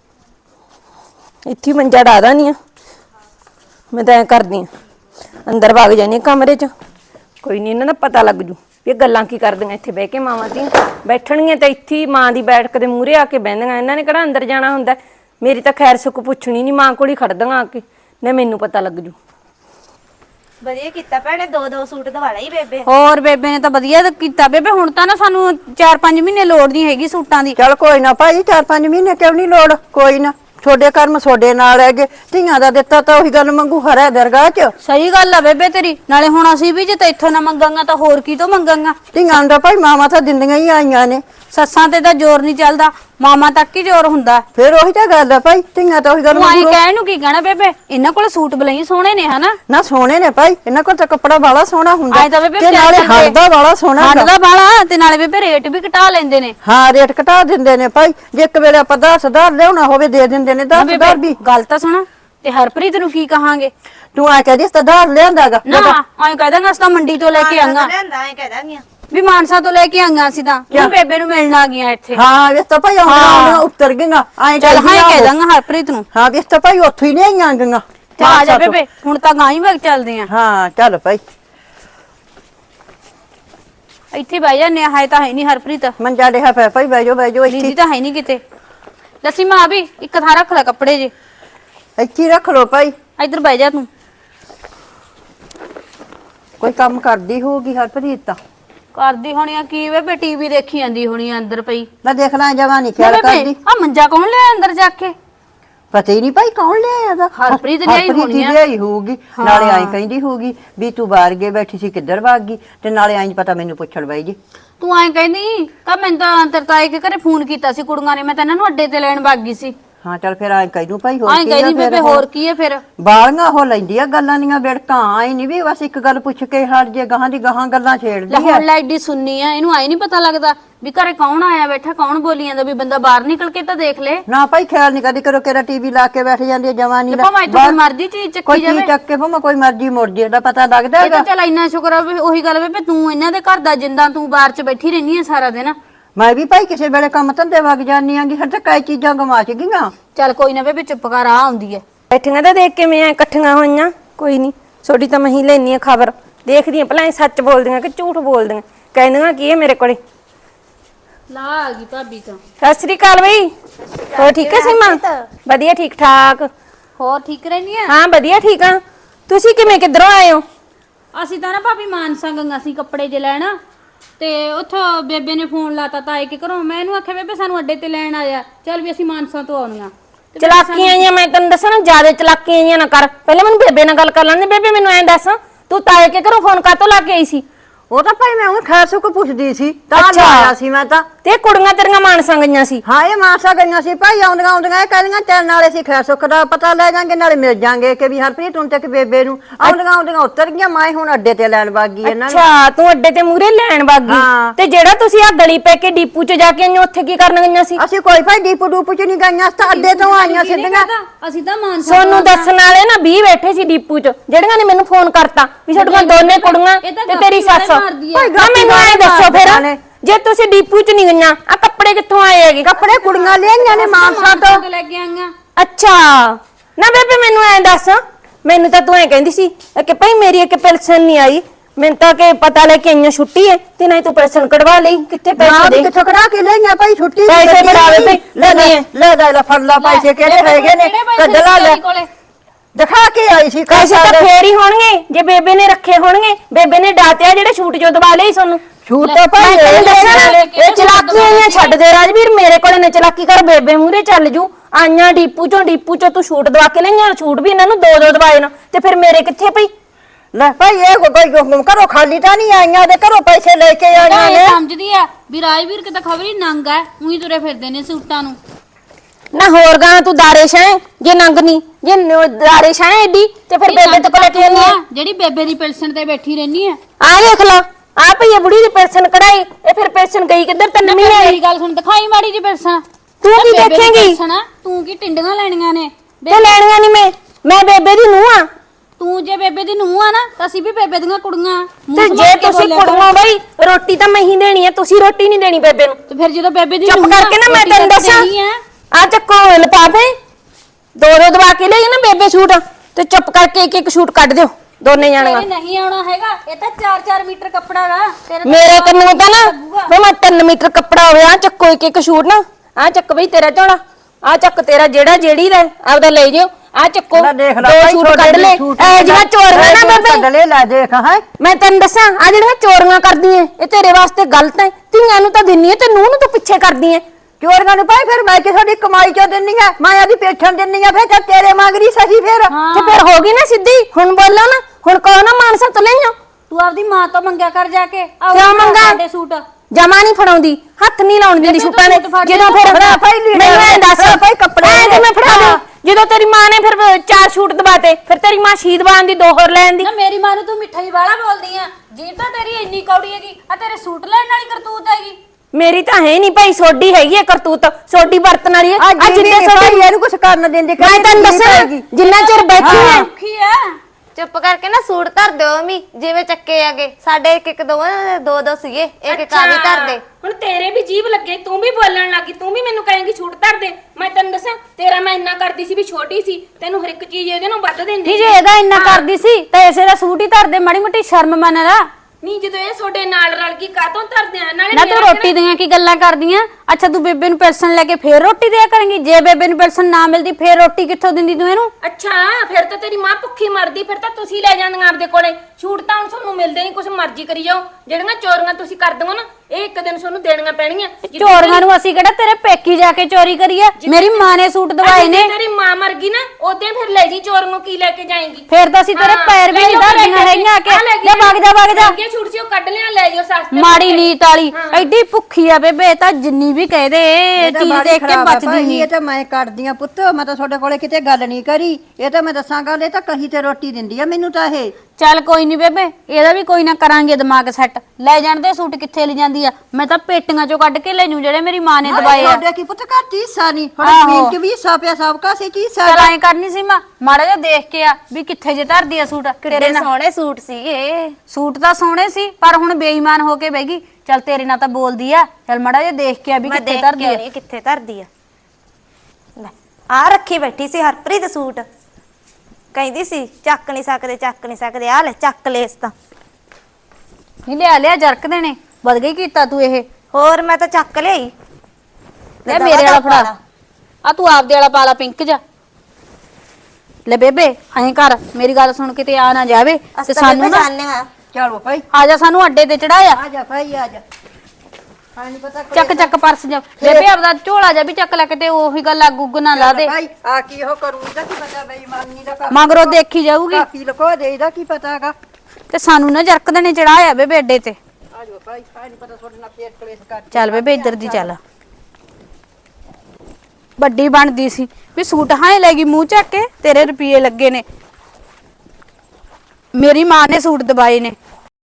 ਇੱਥੇ ਮੰਜਾ ਡਾ ਦਾਂ ਨਹੀਂ ਆ ਮੈਂ ਤਾਂ ਐਂ ਕਰਦੀ ਆ, ਅੰਦਰ ਵਗ ਜਾਣੀ ਕਮਰੇ 'ਚ। ਕੋਈ ਨਹੀਂ, ਇਹਨਾਂ ਦਾ ਪਤਾ ਲੱਗ ਜੂ ਵੀ ਇਹ ਗੱਲਾਂ ਕੀ ਕਰਦੀਆਂ ਇੱਥੇ ਬਹਿ ਕੇ। ਮਾਵਾਂ ਧੀਆਂ ਬੈਠਣਗੀਆਂ ਤਾਂ ਇੱਥੇ ਮਾਂ ਦੀ ਬੈਠ ਕੇ ਮੂਹਰੇ ਆ ਕੇ ਬਹਿੰਦੀਆਂ। ਇਹਨਾਂ ਨੇ ਕਿਹੜਾ ਅੰਦਰ ਜਾਣਾ ਹੁੰਦਾ? ਮੇਰੀ ਤਾਂ ਖੈਰ ਸੁੱਖ ਪੁੱਛਣੀ ਨਹੀਂ, ਮਾਂ ਕੋਲ ਹੀ ਖੜਦੀਆਂ ਆ ਕੇ, ਨਾ ਮੈਨੂੰ ਪਤਾ ਲੱਗ ਜੂ।
ਵਧੀਆ ਕੀਤਾ ਭੈਣੇ, ਦੋ ਦੋ ਸੂਟ ਦਵਾ ਲਈ ਬੇਬੇ।
ਹੋਰ ਬੇਬੇ ਨੇ ਤਾਂ ਵਧੀਆ ਕੀਤਾ ਬੇਬੇ। ਹੁਣ ਤਾਂ ਨਾ ਸਾਨੂੰ ਚਾਰ ਪੰਜ ਮਹੀਨੇ ਲੋੜ ਨਹੀਂ ਹੈਗੀ ਸੂਟਾਂ ਦੀ।
ਚੱਲ ਕੋਈ ਨਾ ਭਾਈ, ਚਾਰ ਪੰਜ ਮਹੀਨੇ ਕਿਉਂ ਨਹੀਂ ਲੋੜ? ਕੋਈ ਨਾ, ਤੁਹਾਡੇ ਕਰਮ ਤੁਹਾਡੇ ਨਾਲ ਹੈਗੇ। ਧੀਆਂ ਦਾ ਦਿੱਤਾ ਤਾਂ ਉਹੀ ਗੱਲ ਮੰਗੂ ਹਰਾ ਦਰਗਾਹ 'ਚ।
ਸਹੀ ਗੱਲ ਆ ਬੇਬੇ ਤੇਰੀ। ਨਾਲੇ ਹੁਣ ਅਸੀਂ ਵੀ ਜੇ ਤੇ ਇੱਥੋਂ ਨਾ ਮੰਗਾਂਗਾ ਤਾਂ ਹੋਰ ਕੀ ਤੋਂ ਮੰਗਾਂਗਾ?
ਧੀਆਂ ਦਾ ਭਾਈ ਮਾਵਾਂ ਤਾਂ ਦਿੰਦੀਆਂ ਹੀ ਆਈਆਂ ਨੇ।
ਸੱਸਾਂ ਤੇ ਤਾਂ ਜ਼ੋਰ ਨਹੀਂ ਚੱਲਦਾ, ਮਾਮਾ ਤੱਕ ਹੀ ਜ਼ੋਰ ਹੁੰਦਾ।
ਫਿਰ ਉਹੀ ਤਾਂ ਗੱਲ ਆ ਭਾਈ, ਧੀਆਂ ਤਾਂ ਉਹੀ ਗੱਲ
ਤੂੰ ਆਏ
ਮੰਗੂ।
ਕਹਿਣ ਨੂੰ ਕੀ ਕਹਿਣਾ ਬੇਬੇ? ਇਹਨਾਂ ਕੋਲ ਸੂਟ ਬਲਈ ਸੋਹਣੇ ਨੇ, ਹਨਾ?
ਨਾ ਸੋਹਣੇ ਨੇ ਭਾਈ, ਇਹਨਾਂ ਕੋਲ ਤਾਂ ਕੱਪੜਾ ਵਾਲਾ ਸੋਹਣਾ ਹੁੰਦਾ
ਆਏ ਤਾਂ ਬੇਬੇ
ਤੇ ਨਾਲੇ ਹੱਡਦਾ ਵਾਲਾ ਸੋਹਣਾ
ਹੱਡ
ਹੁੰਦਾ।
ਦਾ ਬਾਲਾ, ਤੇ ਨਾਲੇ ਬੇਬੇ ਰੇਟ ਵੀ ਘਟਾ ਲੈਂਦੇ ਨੇ।
ਹਾਂ ਰੇਟ ਘਟਾ ਦਿੰਦੇ ਨੇ ਭਾਈ। ਜੇ ਇੱਕ ਵੇਲੇ ਆਪਾਂ ਦਸ ਹਜ਼ਾਰ ਲਿਆਉਣਾ ਹੋਵੇ ਦੇ ਦਿੰਦੇ ਨੇ ਦਸ ਹਜ਼ਾਰ ਵੀ।
ਗੱਲ ਤਾਂ ਸੁਣ, ਤੇ ਹਰਪ੍ਰੀਤ ਨੂੰ ਕੀ ਕਹਾਂਗੇ?
ਤੂੰ ਆ ਕਹਦੀ ਸਦਾਰ ਲਿਆਂਦਾਗਾ
ਨਾ ਆਏ ਕਹਿ ਦਾਂਗਾ ਅਸੀਂ ਤਾਂ ਮੰਡੀ ਤੋਂ ਲੈ ਕੇ ਆਂਗਾ,
ਲਿਆਂਦਾ ਐ ਕਹਿ ਦਾਂਗੀਆਂ।
ਵੀ ਮਾਨਸਾ ਤੋਂ ਲੈ ਕੇ ਆਂਗਾ ਅਸੀਂ ਤਾਂ। ਤੂੰ ਬੇਬੇ ਨੂੰ ਮਿਲਣ ਆ ਗਈਆਂ ਇੱਥੇ।
ਹਾਂ ਇਸ ਤਾਂ ਭਾਈ ਆਉਂਦੀਆਂ ਉੱਤਰ ਗਈਆਂ ਐਂ
ਚੱਲ
ਕਹਿੰਦੀ
ਹਾਂ
ਆ
ਕਹਿ
ਉਹ।
ਦਾਂਗਾ ਹਰਪ੍ਰੀਤ ਨੂੰ।
ਹਾਂ ਇਸ ਤਾਂ ਭਾਈ ਉੱਥੋਂ ਹੀ ਨਹੀਂ ਆਈਆਂ ਗਈਆਂ।
ਤੇ ਆ ਜਾ ਬੇਬੇ, ਹੁਣ ਤਾਂ ਗਾਂ ਹੀ ਵਗ ਚੱਲਦੇ ਆ।
ਹਾਂ ਚੱਲ ਭਾਈ।
ਇੱਥੇ ਬਹਿ ਜਾਂਦੇ ਆ, ਹਾਏ ਤਾਂ ਹੈ ਨਹੀਂ ਹਰਪ੍ਰੀਤ।
ਮੰਜਾ ਡਿਹਾ ਪਿਆ ਭਾਈ, ਬਹਿ ਜਾਓ ਬਹਿ ਜਾਓ ਇੱਥੇ
ਦੀਦੀ ਤਾਂ ਹੈ ਨਹੀਂ ਕਿਤੇ। ਲੱਸੀ ਮਾਂ ਵੀ ਇੱਕ ਥਾਂ ਰੱਖ ਲੈ ਕੱਪੜੇ ਜੇ,
ਇੱਥੇ ਹੀ ਰੱਖ ਲਓ ਭਾਈ।
ਇੱਧਰ ਬਹਿ ਜਾ ਤੂੰ।
ਕੋਈ ਕੰਮ ਕਰਦੀ ਹੋਊਗੀ ਹਰਪ੍ਰੀਤ ਤਾਂ।
ਕਰਦੀ ਹੋਣੀ ਆ ਕੀ ਵੇ, ਟੀਵੀ ਦੇਖੀ ਜਾਂਦੀ ਹੋਣੀ ਆ ਅੰਦਰ ਪਈ।
ਮੈਂ ਦੇਖਣਾ ਜਮਾ ਨਹੀਂ ਖਿਆਲ ਕਰਦੀ।
ਆ ਮੰਜਾ ਕੌਣ ਲਿਆ ਅੰਦਰ ਜਾ ਕੇ?
ਪਤਾ ਹੀ ਨਹੀਂ ਭਾਈ ਕੌਣ ਲਿਆਇਆ ਇਹਦਾ।
ਹਰਪ੍ਰੀਤ ਲਿਆਈ ਹੋਣੀ ਆ।
ਲਿਆਈ ਹੋਊਗੀ, ਨਾਲੇ ਆਈ ਕਹਿੰਦੀ ਹੋਊਗੀ ਵੀ ਤੂੰ ਬਾਹਰ ਗਏ ਬੈਠੀ ਸੀ, ਕਿੱਧਰ ਭਾਗ ਗਈ, ਤੇ ਨਾਲੇ ਆਈ ਪਤਾ ਮੈਨੂੰ ਪੁੱਛਣ ਬਾਈ ਜੀ।
ਤੂੰ ਐਂ ਕਹਿੰਦੀ ਤਾਂ ਮੈਨੂੰ ਤਾਂ ਤੇਰੇ ਤਾਏ ਕੇ ਘਰੇ ਫੋਨ ਕੀਤਾ ਸੀ ਕੁੜੀਆਂ ਨੇ, ਮੈਂ ਤਾਂ ਇਹਨਾਂ ਨੂੰ ਅੱਡੇ ਤੇ ਲੈਣ ਭੱਗ ਗਈ ਸੀ।
ਹਾਂ ਚੱਲ ਫਿਰ ਐਂ ਕਹਿ ਦੂੰ ਭਾਈ, ਹੋਰ
ਐਂ
ਕੀ
ਕਹਿੰਦੀ ਬੇਬੇ ਹੋਰ ਕੀ ਹੈ ਫਿਰ?
ਬਾਲੀਆਂ ਹੋ ਲੈਂਦੀਆਂ ਗੱਲਾਂ ਦੀਆਂ ਵਿੜਕਾਂ, ਆਈ ਨਹੀਂ ਵੀ ਬਸ ਇੱਕ ਗੱਲ ਪੁੱਛ ਕੇ ਹਟ ਜੇ, ਗਾਹਾਂ ਦੀ ਗਾਹਾਂ ਗੱਲਾਂ ਛੇੜਦੀ
ਲੈ
ਆ।
ਹੁਣ ਲੈ ਐਡੀ ਸੁਣਨੀ ਆ, ਇਹਨੂੰ ਆਈ ਨਹੀਂ ਪਤਾ ਲੱਗਦਾ ਵੀ ਘਰੇ ਕੌਣ ਆਇਆ ਬੈਠਾ, ਕੌਣ ਬੋਲੀ ਜਾਂਦਾ, ਵੀ ਬੰਦਾ ਬਾਹਰ ਨਿਕਲ ਕੇ ਤਾਂ ਦੇਖ ਲੈ।
ਨਾ ਭਾਈ ਖਿਆਲ ਨਹੀਂ ਕਰਦੀ, ਕਰੋ ਕਿਹੜਾ ਟੀਵੀ ਲਾ ਕੇ ਬੈਠ ਜਾਂਦੀ ਹੈ ਜਵਾਨੀ ਦਾ।
ਭਾਵੇਂ ਕੋਈ ਮਰਜ਼ੀ ਚੀਜ਼ ਚੱਕੀ
ਕੋਈ
ਜਾਵੇ,
ਚੀਜ਼ ਚੱਕ ਕੇ ਭਾਵੇਂ ਕੋਈ ਮਰਜ਼ੀ ਮੁੜ ਜੇ, ਦਾ ਪਤਾ ਲੱਗਦਾ
ਇਹ
ਹੈਗਾ।
ਤਾਂ ਚੱਲ ਇੰਨਾ ਸ਼ੁਕਰ ਆ ਵੀ ਉਹੀ ਗੱਲ ਵੇ ਵੀ ਤੂੰ ਇਹਨਾਂ ਦੇ ਘਰ ਦਾ ਜਿੰਦਾ, ਤੂੰ ਬਾਹਰ ਚ ਬੈਠੀ ਰਹਿਨੀ ਆ ਸਾਰਾ ਦਿਨ।
ਮੈਂ ਵੀ ਭਾਈ ਕਿਸੇ ਵੇਲੇ ਕੰਮ ਧੰਦੇ ਵਗ ਜਾਂਦੀ ਆਂਗੀ, ਹਰ ਤਾਂ ਕਈ ਚੀਜ਼ਾਂ ਗਵਾਚ ਗਈਆਂ।
ਚੱਲ ਕੋਈ ਨਾ ਵੇ ਚੁੱਪ ਕਰ, ਆ ਆਉਂਦੀ ਐ।
ਬੈਠੀਆਂ ਤਾਂ ਦੇਖ ਕੇ ਮੈਂ ਇਕੱਠੀਆਂ ਹੋਈਆਂ, ਕੋਈ ਨਹੀਂ ਛੋਟੀ ਤਾਂ ਮੈਂ ਹੀ ਲੈਣੀ ਆ ਖਬਰ, ਦੇਖਦੀ ਆ ਭਲਾ ਇਹ ਸੱਚ ਬੋਲਦੀਆਂ ਕਿ ਝੂਠ ਬੋਲਦੀਆਂ, ਕਹਿੰਦੀਆਂ ਕੀ ਹੈ ਮੇਰੇ ਕੋਲੇ।
ਲਾ ਆ ਗਈ ਭਾਬੀ ਤਾਂ।
ਸਤਿ ਸ੍ਰੀ ਅਕਾਲ ਬਈ, ਹੋਰ ਠੀਕ ਹੈ ਸੀਮਾ? ਵਧੀਆ ਠੀਕ ਠਾਕ।
ਹੋਰ ਠੀਕ ਰਹਿਨੀ ਆ?
ਹਾਂ ਵਧੀਆ ਠੀਕ ਆ। ਤੁਸੀਂ ਕਿਵੇਂ ਕਿੱਧਰੋਂ ਆਏ ਹੋ?
ਅਸੀਂ ਤਾਂ ਨਾ ਭਾਬੀ ਮਾਨਸਾ ਗੰਗਾ ਸੀ ਕੱਪੜੇ ਜੇ ਲੈਣ, ਤੇ ਉੱਥੋਂ ਬੇਬੇ ਨੇ ਫੋਨ ਲਾਤਾ ਤਾਏ ਕੇ ਘਰੋਂ। ਮੈਂ ਇਹਨੂੰ ਆਖਿਆ ਬੇਬੇ ਸਾਨੂੰ ਅੱਡੇ ਤੇ ਲੈਣ ਆਇਆ, ਚੱਲ ਵੀ ਅਸੀਂ ਮਾਨਸਾ ਤੋਂ ਆਉਣੀਆਂ।
ਚਲਾਕੀਆਂ ਆਈਆਂ, ਮੈਂ ਤੈਨੂੰ ਦੱਸਾਂ ਨਾ ਜਿਆਦਾ ਚਲਾਕੀਆਂ ਆਈਆਂ ਨਾ ਕਰ, ਪਹਿਲੇ ਮੈਨੂੰ ਬੇਬੇ ਨਾਲ ਗੱਲ ਕਰ ਲੈਂਦੇ। ਬੇਬੇ ਮੈਨੂੰ ਐਂ ਦੱਸ, ਤੂੰ ਤਾਏ ਕੇ ਘਰੋਂ ਫੋਨ ਕਾਤੋਂ ਲਾ ਕੇ ਆਈ ਸੀ?
ਉਹ ਤਾਂ ਭਾਈ ਮੈਂ ਉਹ ਖੈਰ ਸੁੱਖ ਪੁੱਛਦੀ ਸੀ ਤਾਂ
ਅੱਛਾ।
ਆਇਆ ਸੀ ਮੈਂ ਤਾਂ।
ਤੇ ਕੁੜੀਆਂ ਤੇਰੀਆਂ ਮਾਨਸਾਂ ਗਈਆਂ ਸੀ?
ਹਾਂ ਇਹ ਮਾਨਸਾ ਗਈਆਂ ਸੀ ਭਾਈ, ਆਉਂਦੀਆਂ ਆਉਂਦੀਆਂ ਇਹ ਕਹਿੰਦੀਆਂ ਚੱਲ ਨਾਲੇ ਸੀ ਖੈਰ ਸੁੱਖ ਦਾ ਪਤਾ ਲੈ ਜਾਾਂਗੇ, ਨਾਲੇ ਮਿਲ ਜਾਾਂਗੇ ਕਿ ਵੀ ਹਰਪ੍ਰੀਤ ਹੁਣ ਤੱਕ ਬੇਬੇ ਨੂੰ। ਆਉਂਦੀਆਂ ਆਉਂਦੀਆਂ ਉਤਰ ਗਈਆਂ, ਮੈਂ ਹੁਣ ਅੱਡੇ ਤੇ ਲੈਣ ਵਗ ਗਈ ਇਹਨਾਂ ਨੂੰ।
ਅੱਛਾ ਤੂੰ ਅੱਡੇ ਤੇ ਮੂਰੇ ਲੈਣ ਵਗ ਗਈ।
ਹਾਂ।
ਤੇ ਜਿਹੜਾ ਤੁਸੀਂ ਆ ਗਲੀ ਪੈ ਕੇ ਡੀਪੂ ਚ ਜਾ ਕੇ ਆਈਆਂ, ਉੱਥੇ ਕੀ ਕਰਨ ਗਈਆਂ ਸੀ?
ਅਸੀਂ ਕੋਈ ਭਾਈ ਡੀਪੂ ਡੂਪੂ ਚ ਨਹੀਂ ਗਈਆਂ, ਅਸੀਂ ਤਾਂ ਅੱਡੇ ਤੋਂ ਆਈਆਂ ਸਿੱਧੀਆਂ।
ਅਸੀਂ ਤਾਂ ਮਾਨਸਾ
ਸੋਨੂੰ ਦੱਸਣ ਵਾਲੇ ਨਾ ਵੀਹ ਬੈਠੇ ਸੀ ਡੀਪੂ ਚ, ਜਿਹੜੀਆਂ ਨੇ ਮੈਨੂੰ ਫੋਨ ਕਰਤਾ ਵੀ ਛੋਟੀਆਂ ਦੋਨੇ ਕੁੜੀਆਂ ਤੇ ਤੇਰੀ ਸੱਸ। ਮੈਨੂੰ ਐ ਦੱਸੋ ਫਿਰ, ਜੇ ਤੁਸੀਂ ਡੀਪੂ ਚ ਨਹੀਂ ਗਈਆਂ, ਆ ਕੱਪੜੇ ਕਿੱਥੋਂ ਆਏ ਹੈਗੇ?
ਕੱਪੜੇ ਕੁੜੀਆਂ ਲਿਆਈਆਂ ਨੇ ਮਾਨਸਾ ਤੋਂ
ਲੈ ਕੇ ਆਈਆਂ।
ਅੱਛਾ ਨਾ ਬੇਬੇ ਮੈਨੂੰ ਐ ਦੱਸ, ਮੈਨੂੰ ਤਾਂ ਤੂੰ ਐ ਕਹਿੰਦੀ ਸੀ ਕਿ ਭਾਈ ਮੇਰੀ ਇੱਕ ਪੈਨਸ਼ਨ ਨਹੀਂ ਆਈ, ਮੈਨੂੰ ਤਾਂ ਕਿ ਪਤਾ ਲੈ ਕੇ ਆਈਆਂ ਛੁੱਟੀ ਹੈ ਤੇ ਨਹੀਂ ਤੂੰ ਪੈਨਸ਼ਨ ਕਢਵਾ ਲਈ, ਕਿੱਥੇ ਪੈਸੇ ਦੇ?
ਕਿੱਥੋਂ ਕਢਾ ਕੇ ਲਿਆਈਆਂ ਭਾਈ, ਛੁੱਟੀ
ਪੈਸੇ ਫੜਾਵੇ ਭਾਈ।
ਲੈ ਲੈ ਲੈ ਲੈ ਫੜ ਲਾ ਪੈਸੇ, ਕਿਹੜੇ ਹੈਗੇ ਨੇ ਕੱਢ ਲਾ ਲੈ। ਦਿਖਾ ਕੇ ਆਈ ਸੀ
ਪੈਸੇ ਤਾਂ ਫੇਰ ਹੀ ਹੋਣਗੇ ਜੇ ਬੇਬੇ ਨੇ ਰੱਖੇ ਹੋਣਗੇ। ਬੇਬੇ ਨੇ ਡਾਟਿਆ ਜਿਹੜੇ ਛੂਟ ਜੋ ਦਵਾ ਲਈ ਤੁਹਾਨੂੰ।
ਛੂਟ ਤਾਂ ਭਾਈ
ਇਹ ਚਲਾਕੀਆਂ ਆਈਆਂ ਛੱਡ ਦੇ ਰਾਜਵੀਰ, ਮੇਰੇ ਕੋਲੇ ਨੇ ਚਲਾਕੀ ਕਰ, ਬੇਬੇ ਮੂਹਰੇ ਚੱਲ ਜੂ। ਆਈਆਂ ਡੀਪੂ ਚੋਂ, ਡੀਪੂ ਚੋਂ ਤੂੰ ਛੂਟ ਦਵਾ ਕੇ ਲਈਆਂ, ਛੂਟ ਵੀ ਇਹਨਾਂ ਨੂੰ ਦੋ ਦੋ ਦਵਾਏ ਨਾ, ਤੇ ਫਿਰ ਮੇਰੇ ਕਿੱਥੇ ਪਈ?
ਲੈ ਭਾਈ ਇਹ ਕੋਈ ਘਰੋਂ ਖਾਲੀ ਤਾਂ ਨਹੀਂ ਆਈਆਂ, ਉਹਦੇ ਘਰੋਂ ਪੈਸੇ ਲੈ ਕੇ ਆਈਆਂ ਨੇ।
ਸਮਝਦੀ ਆ ਵੀ ਰਾਜਵੀਰ ਕਿਤੇ ਖਬਰ ਹੀ ਨੰਗ ਐ, ਉਹੀ ਤੁਰੇ ਫਿਰਦੇ ਨੇ ਸੂਟਾਂ ਨੂੰ।
ਨਾ ਹੋਰ ਗਾਂ ਤੂੰ ਦਾਰੇ ਸ਼ਾਂ, ਜੇ ਨੰਗ ਨਹੀਂ, ਜੇ ਦਾਰੇ ਸ਼ਾਂ ਐਡੀ ਤੇ ਫਿਰ ਬੇਬੇ ਤੋਂ ਕੋਲੇ ਕੀ ਆਉਂਦੀ ਆ?
ਜਿਹੜੀ ਬੇਬੇ ਦੀ ਪੈਨਸ਼ਨ ਤੇ ਬੈਠੀ ਰਹਿਨੀ ਆ।
ਆ ਦੇਖ ਲਾ, ਆ ਪਈ ਇਹ ਬੁੜੀ ਦੀ ਪੈਨਸ਼ਨ ਕਢਾਈ, ਇਹ ਫਿਰ ਪੈਨਸ਼ਨ ਗਈ ਕਿੱਧਰ? ਤਿੰਨ ਮਹੀਨੇ
ਮੇਰੀ ਗੱਲ ਸੁਣ, ਦਿਖਾਈ ਮਾੜੀ ਜੀ ਪੈਨਸ਼ਨ।
ਤੂੰ ਕੀ ਦੇਖੇਂਗੀ?
ਤੂੰ ਕੀ ਟਿੰਡੀਆਂ ਲੈਣੀਆਂ ਨੇ?
ਤੇ ਲੈਣੀਆਂ ਨਹੀਂ ਮੈਂ, ਮੈਂ ਬੇਬੇ ਦੀ ਨੂੰਹ ਆ।
ਤੂੰ ਜੇ ਬੇਬੇ ਦੀ ਨੂੰਹ ਆ ਨਾ, ਤਾਂ ਅਸੀਂ ਵੀ ਬੇਬੇ ਦੀਆਂ ਕੁੜੀਆਂ।
ਤੇ ਜੇ ਤੁਸੀਂ ਕੁੜੀਆਂ ਬਈ, ਰੋਟੀ ਤਾਂ ਮੈਂ ਹੀ ਦੇਣੀ ਆ, ਤੁਸੀਂ ਰੋਟੀ ਨਹੀਂ ਦੇਣੀ ਬੇਬੇ ਨੂੰ।
ਤੇ ਫਿਰ ਜਦੋਂ ਬੇਬੇ ਦੀ
ਚੁੱਪ ਕਰਕੇ ਨਾ ਮੈਂ ਤੈਨੂੰ ਦੱਸਾਂ, ਆ ਚੱਕੋ ਲਿਫਾਫੇ, ਦੋ ਦੋ ਦਵਾ ਕੇ ਲਿਆਈ ਨਾ ਬੇਬੇ ਸੂਟ, ਤੇ ਚੁੱਪ ਕਰਕੇ ਇੱਕ ਇੱਕ ਸੂਟ ਕੱਢ ਦਿਓ ਦੋਨੇ ਜਾਣੀਆਂ।
ਨਹੀਂ ਆਉਣਾ ਹੈਗਾ, ਇਹ ਤਾਂ ਚਾਰ ਚਾਰ ਮੀਟਰ ਕੱਪੜਾ ਵਾ ਤੇਰੇ।
ਮੇਰੇ ਕੰਨੋਂ ਤਾਂ ਨਾ ਮੈਂ ਤਿੰਨ ਮੀਟਰ ਕੱਪੜਾ ਹੋਵੇ, ਆ ਚੱਕੋ ਇੱਕ ਇੱਕ ਸੂਟ ਨਾ, ਆ ਚੱਕ ਬਈ ਤੇਰਾ ਝੋਲਾ, ਆ ਚੱਕ ਤੇਰਾ ਜਿਹੜਾ ਜਿਹੜੀ ਦਾ ਆਪਦਾ ਲੈ ਜਿਓ, ਆ ਚੱਕੋ
ਦੇਖ ਲੈ
ਦੋ ਸੂਟ ਕੱਢ ਲੈ। ਐ ਜਿਹੜਾ ਚੋਰੀਆਂ ਨਾ ਬੇਬੇ
ਕੱਢ ਲੈ, ਲੈ ਦੇਖ ਹੈ।
ਮੈਂ ਤੈਨੂੰ ਦੱਸਾਂ, ਆ ਜਿਹੜੀਆਂ ਚੋਰੀਆਂ ਕਰਦੀਆਂ ਇਹ ਤੇਰੇ ਵਾਸਤੇ ਗਲਤ ਹੈ। ਧੀਆਂ ਨੂੰ ਤਾਂ ਦਿੰਨੀ ਐ ਤੇ ਨੂੰਹ ਨੂੰ ਤੂੰ ਪਿੱਛੇ ਕਰਦੀ ਐ।
ਚੋਰੀਆਂ ਨੂੰ ਭਾਈ ਫਿਰ ਮੈਂ ਕਿ ਤੁਹਾਡੀ ਕਮਾਈ ਚੋਂ ਦਿੰਨੀ ਆ, ਮੈਂ ਆਦੀ ਪੇਛਣ ਦਿੰਨੀ ਆ, ਫਿਰ ਤਾਂ ਤੇਰੇ ਮੰਗਰੀ ਸਹੀ ਫਿਰ।
ਤੇ ਫਿਰ ਹੋ ਗਈ ਨਾ ਸਿੱਧੀ, ਹੁਣ ਬੋਲੋ ਨਾ, ਹੁਣ ਕਹੋ ਨਾ ਮਾਨਸਾ ਤੋਂ ਲਈਆਂ।
ਤੂੰ ਆਪਦੀ ਮਾਂ ਤੋਂ ਮੰਗਿਆ ਕਰ ਜਾ ਕੇ।
ਕਿਉਂ ਮੰਗਾ?
ਸਾਡੇ ਸੂਟ
ਜਮਾ ਨਹੀਂ ਫੜਾਉਂਦੀ, ਹੱਥ ਨਹੀਂ ਲਾਉਣ ਦਿੰਦੀ ਸੂਟਾਂ ਨੇ। ਜਦੋਂ ਫਿਰ ਮੈਨੂੰ ਐਂ ਦੱਸ
ਭਾਈ ਕੱਪੜੇ
ਐਂ ਕਿਵੇਂ ਫੜਾ ਦੇ? ਜਦੋਂ ਤੇਰੀ ਮਾਂ ਨੇ ਫਿਰ ਚਾਰ ਸੂਟ ਦਵਾਤੇ, ਫਿਰ ਤੇਰੀ ਮਾਂ ਸ਼ਹੀਦਵਾਨ ਦੀ ਦੋ ਹੋਰ ਲੈਣ ਦੀ।
ਨਾ ਮੇਰੀ ਮਾਂ ਨੂੰ ਤੂੰ ਮਿੱਠਾਈ ਵਾਲਾ ਬੋਲਦੀ ਆ, ਜੀ ਤਾਂ ਤੇਰੀ ਇੰਨੀ ਕੌੜੀ ਹੈਗੀ, ਆ ਤੇਰੇ ਸੂਟ ਲੈਣ ਵਾਲੀ ਕਰਤੂਤ ਹੈਗੀ।
ਮੇਰੀ ਤਾਂ ਹੈ ਨਹੀਂ ਭਾਈ, ਸੋਡੀ ਹੈਗੀ ਹੈ ਕਰਤੂਤ, ਸੋਡੀ ਵਰਤਣ ਵਾਲੀ ਹੈ।
ਆ ਜਿੰਨੇ ਸੋਡੀ ਇਹਨੂੰ ਕੁਝ ਕਰਨ ਦਿੰਦੀ।
ਮੈਂ ਤੈਨੂੰ ਦੱਸਾਂ, ਜਿੰਨਾ ਚਿਰ ਬੈਠੀ ਹੈ
ਔਖੀ ਆ।
ਚੁੱਪ ਕਰਕੇ ਨਾ ਸੂਟ ਧਰ ਦਿਓ ਮੀ, ਜਿਵੇਂ ਚੱਕੇ ਆਗੇ ਸਾਡੇ ਇੱਕ ਇੱਕ ਦੋ ਦੋ ਦੋ ਸੀਗੇ, ਇੱਕ ਇੱਕ ਆ ਵੀ ਧਰ ਦੇ।
ਹੁਣ ਤੇਰੇ ਵੀ ਜੀਭ ਲੱਗੇ, ਤੂੰ ਵੀ ਬੋਲਣ ਲੱਗੀ, ਤੂੰ ਵੀ ਮੈਨੂੰ ਕਹੇਂਗੀ ਛੂਟ ਧਰ ਦੇ। ਮੈਂ ਤੈਨੂੰ ਦੱਸਾਂ, ਤੇਰਾ ਮੈਂ ਇੰਨਾ ਕਰਦੀ ਸੀ ਵੀ ਛੋਟੀ ਸੀ, ਤੈਨੂੰ ਹਰ ਇੱਕ ਚੀਜ਼ ਇਹਦੇ ਨਾਲ ਵੱਧ ਦਿੰਦੀ
ਨਹੀਂ ਜੇ ਇਹਦਾ ਇੰਨਾ ਕਰਦੀ ਸੀ ਤਾਂ ਇਸੇ ਦਾ ਸੂਟ ਹੀ ਧਰ ਦੇ, ਮਾੜੀ ਮੋਟੀ ਸ਼ਰਮ ਮੰਨ ਲੈ।
ਨਹੀਂ ਜਦੋਂ ਇਹ ਤੁਹਾਡੇ ਨਾਲ ਰਲ ਗਈ ਕਾਤੋਂ ਧਰਦੇ ਆ ਨਾਲੇ
ਨਾ ਤੂੰ ਰੋਟੀ ਦੀਆਂ ਕੀ ਗੱਲਾਂ ਕਰਦੀਆਂ? ਅੱਛਾ ਤੂੰ ਬੇਬੇ ਨੂੰ ਪੈਨਸ਼ਨ ਲੈ ਕੇ ਫੇਰ ਰੋਟੀ ਦਿਆ ਕਰਾਂਗੀ? ਜੇ ਬੇਬੇ ਨੂੰ ਪੈਨਸ਼ਨ ਨਾ ਮਿਲਦੀ ਫੇਰ ਰੋਟੀ ਕਿੱਥੋਂ ਦਿੰਦੀ ਤੂੰ ਇਹਨੂੰ?
ਅੱਛਾ ਫਿਰ ਤਾਂ ਤੇਰੀ ਮਾਂ ਭੁੱਖੀ ਮਰਦੀ, ਫਿਰ ਤਾਂ ਤੁਸੀਂ ਲੈ ਜਾਂਦੀਆਂ ਆਪਦੇ ਕੋਲੇ। ਛੂਟ ਤਾਂ ਹੁਣ ਤੁਹਾਨੂੰ ਮਿਲਦੇ ਨਹੀਂ, ਕੁਛ ਮਰਜ਼ੀ ਕਰੀ ਜਾਓ। ਜਿਹੜੀਆਂ ਚੋਰੀਆਂ ਤੁਸੀਂ ਕਰ ਦਿਓ ਨਾ ਇਹ ਇੱਕ ਦਿਨ ਤੁਹਾਨੂੰ ਦੇਣੀਆਂ ਪੈਣਗੀਆਂ।
ਚੋਰੀਆਂ ਨੂੰ ਅਸੀਂ ਕਿਹੜਾ ਤੇਰੇ ਪੇਕੀ ਜਾ ਕੇ ਚੋਰੀ ਕਰੀ ਆ? ਮੇਰੀ ਮਾਂ ਨੇ ਸੂਟ ਦਵਾਏ ਨੇ।
ਤੇਰੀ ਮਾਂ ਮਰ ਗਈ ਨਾ ਉਦੋਂ ਫਿਰ ਲੈ ਜੀ, ਚੋਰ ਨੂੰ ਕੀ ਲੈ ਕੇ ਜਾਏਂਗੀ?
ਫੇਰ ਤਾਂ ਅਸੀਂ ਤੇਰੇ ਪੈਰ ਵੀ ਨਹੀਂ ਧਰਦੀਆਂ ਹੈਗੀਆਂ ਆ ਕੇ। ਜਾ ਵਗ ਜਾ ਵਗ ਜਾ।
ਅੱਗੇ ਛੂਟ ਸੀ ਉਹ ਕੱਢ ਲਿਆ, ਲੈ ਜਿਓ ਸਸਤੇ।
ਮਾੜੀ ਨੀਤ ਵਾਲੀ ਐਡੀ ਭੁੱਖੀ ਆ ਬੇਬੇ, ਤਾਂ ਜਿੰਨੀ ਵੀ ਕਹਿ ਦੇ ਚੀਜ਼ ਦੇਖ ਕੇ ਬਚਦੀ ਨਹੀਂ।
ਇਹ ਤਾਂ ਮੈਂ ਕੱਢਦੀ ਆ ਪੁੱਤ, ਮੈਂ ਤਾਂ ਤੁਹਾਡੇ ਕੋਲੇ ਕਿਤੇ ਗੱਲ ਨਹੀਂ ਕਰੀ। ਇਹ ਤਾਂ ਮੈਂ ਦੱਸਾਂ ਗੱਲ, ਇਹ ਤਾਂ ਕਹੀ ਤੇ ਰੋਟੀ ਦਿੰਦੀ ਆ ਮੈਨੂੰ ਤਾਂ ਇਹ।
ਚੱਲ ਕੋਈ ਨਹੀਂ ਬੇਬੇ, ਇਹਦਾ ਵੀ ਕੋਈ ਨਾ ਕਰਾਂਗੇ ਦਿਮਾਗ ਸੈੱਟ। ਲੈ ਜਾਣ ਦੇ ਸੂਟ ਕਿੱਥੇ ਲੈ ਜਾਂਦੀ ਆ? ਮੈਂ ਤਾਂ ਪੇਟੀਆਂ ਚੋਂ ਕੱਢ ਕੇ ਲੈ ਜੂ ਜਿਹੜੇ ਮੇਰੀ ਮਾਂ ਨੇ ਦਵਾਏ ਆ।
ਤੁਹਾਡੇ ਕੀ ਪੁੱਤ ਘੱਟ ਹਿੱਸਾ ਨਹੀਂ,
ਆਹੋ।
ਤੁਹਾਡੇ ਜ਼ਮੀਨ 'ਚ ਵੀ ਹਿੱਸਾ ਪਿਆ, ਸਭ ਕਾਸੇ ਕੀ ਹਿੱਸਾ
ਚੱਲ ਐਂ ਕਰਨੀ ਸੀ ਮਾਂ, ਮਾੜਾ ਜਿਹਾ ਦੇਖ ਕੇ ਆ ਵੀ ਕਿੱਥੇ ਜੇ ਧਰਦੀ ਆ ਸੂਟ ਤੇਰੇ
ਤੇਰੇ
ਨਾਲ।
ਸੋਹਣੇ ਸੂਟ ਸੀਗੇ।
ਸੂਟ ਤਾਂ ਸੋਹਣੇ ਸੀ ਪਰ ਹੁਣ ਬੇਈਮਾਨ ਹੋ ਕੇ ਬਹਿ ਗਈ। ਚੱਲ ਤੇਰੇ ਨਾਲ ਤਾਂ ਬੋਲਦੀ ਆ, ਚੱਲ ਮਾੜਾ ਜਿਹਾ ਦੇਖ ਕੇ ਆ ਵੀ
ਮੈਂ
ਕਿੱਥੇ
ਦੇਖ
ਧਰਦੀ
ਕੇ
ਆ।
ਆਉਣੀ ਕਿੱਥੇ ਧਰਦੀ ਆ। ਲੈ ਆ ਰੱਖੀ ਬੈਠੀ ਸੀ ਹਰਪ੍ਰੀਤ ਸੂਟ, ਕਹਿੰਦੀ ਸੀ ਚੱਕ ਨਹੀਂ ਸਕਦੇ ਚੱਕ ਨਹੀਂ ਸਕਦੇ। ਆ ਲੈ ਚੱਕ ਲੈ ਇਸ ਤਾਂ।
ਨਹੀਂ ਲਿਆ ਲਿਆ ਜਰਕ ਦੇਣੇ, ਵਧ ਗਈ ਕੀਤਾ ਤੂੰ ਇਹ।
ਹੋਰ ਮੈਂ ਤਾਂ ਚੱਕ ਲਈ।
ਲੈ ਮੇਰੇ ਵਾਲਾ ਫੜਾ, ਆ ਤੂੰ ਆਪਦੇ ਵਾਲਾ ਪਾ ਲਾ ਪਿੰਕ ਜਾ। ਲੈ ਬੇਬੇ ਐਂ ਕਰ, ਮੇਰੀ ਗੱਲ ਸੁਣ ਕੇ ਤੇ ਆ ਨਾ ਜਾਵੇ ਤੇ ਸਾਨੂੰ ਨਾ
ਜਾਣਨੇ ਆ।
ਚਲੋ ਭਾਈ
ਆ ਜਾ, ਸਾਨੂੰ ਅੱਡੇ ਤੇ ਚੜਾਇਆ।
ਆ ਜਾ ਭਾਈ ਆ ਜਾ। ਹਾਂ ਨਹੀਂ ਪਤਾ
ਚੱਕ ਚੱਕ ਪਰਸ ਜਾ ਬੇਬੇ, ਆਪਦਾ ਝੋਲਾ ਜਾ ਵੀ ਚੱਕ ਲੈ ਕੇ ਤੇ ਉਹੀ ਗੱਲ ਅੱਗ ਉੱਗ ਨਾ ਲਾ ਦੇ।
ਭਾਈ ਆ ਕੀ ਉਹ ਕਰੂ, ਇਹਦਾ ਕੀ ਪਤਾ ਬੇਈਮਾਨੀ ਦਾ ਕੰਮ।
ਮਗਰੋਂ ਦੇਖੀ ਜਾਊਗੀ
ਕਾਫੀ ਲਕੋ ਦੇ, ਇਹਦਾ ਕੀ ਪਤਾਗਾ।
ਤੇ ਸਾਨੂੰ ਨਾ ਜਰਕ ਦੇਣੇ ਚੜਾਇਆ ਬੇਬੇ ਅੱਡੇ ਤੇ।
ਆ ਜਾਓ ਭਾਈ, ਆ ਨਹੀਂ ਪਤਾ ਤੁਹਾਡੇ ਨਾਲ ਫੇਰ ਕਲੇਸ਼ ਕਰ।
ਚੱਲ ਬੇਬੇ ਇੱਧਰ ਦੀ ਚੱਲ। ਵੱਡੀ ਬਣਦੀ ਸੀ ਵੀ ਸੂਟ ਹਾਂ ਲੈ ਗਈ ਮੂੰਹ ਚੱਕ ਕੇ, ਤੇਰੇ ਰੁਪਏ ਲੱਗੇ ਨੇ। ਮੇਰੀ ਮਾਂ ਨੇ ਸੂਟ ਦਵਾਏ ਨੇ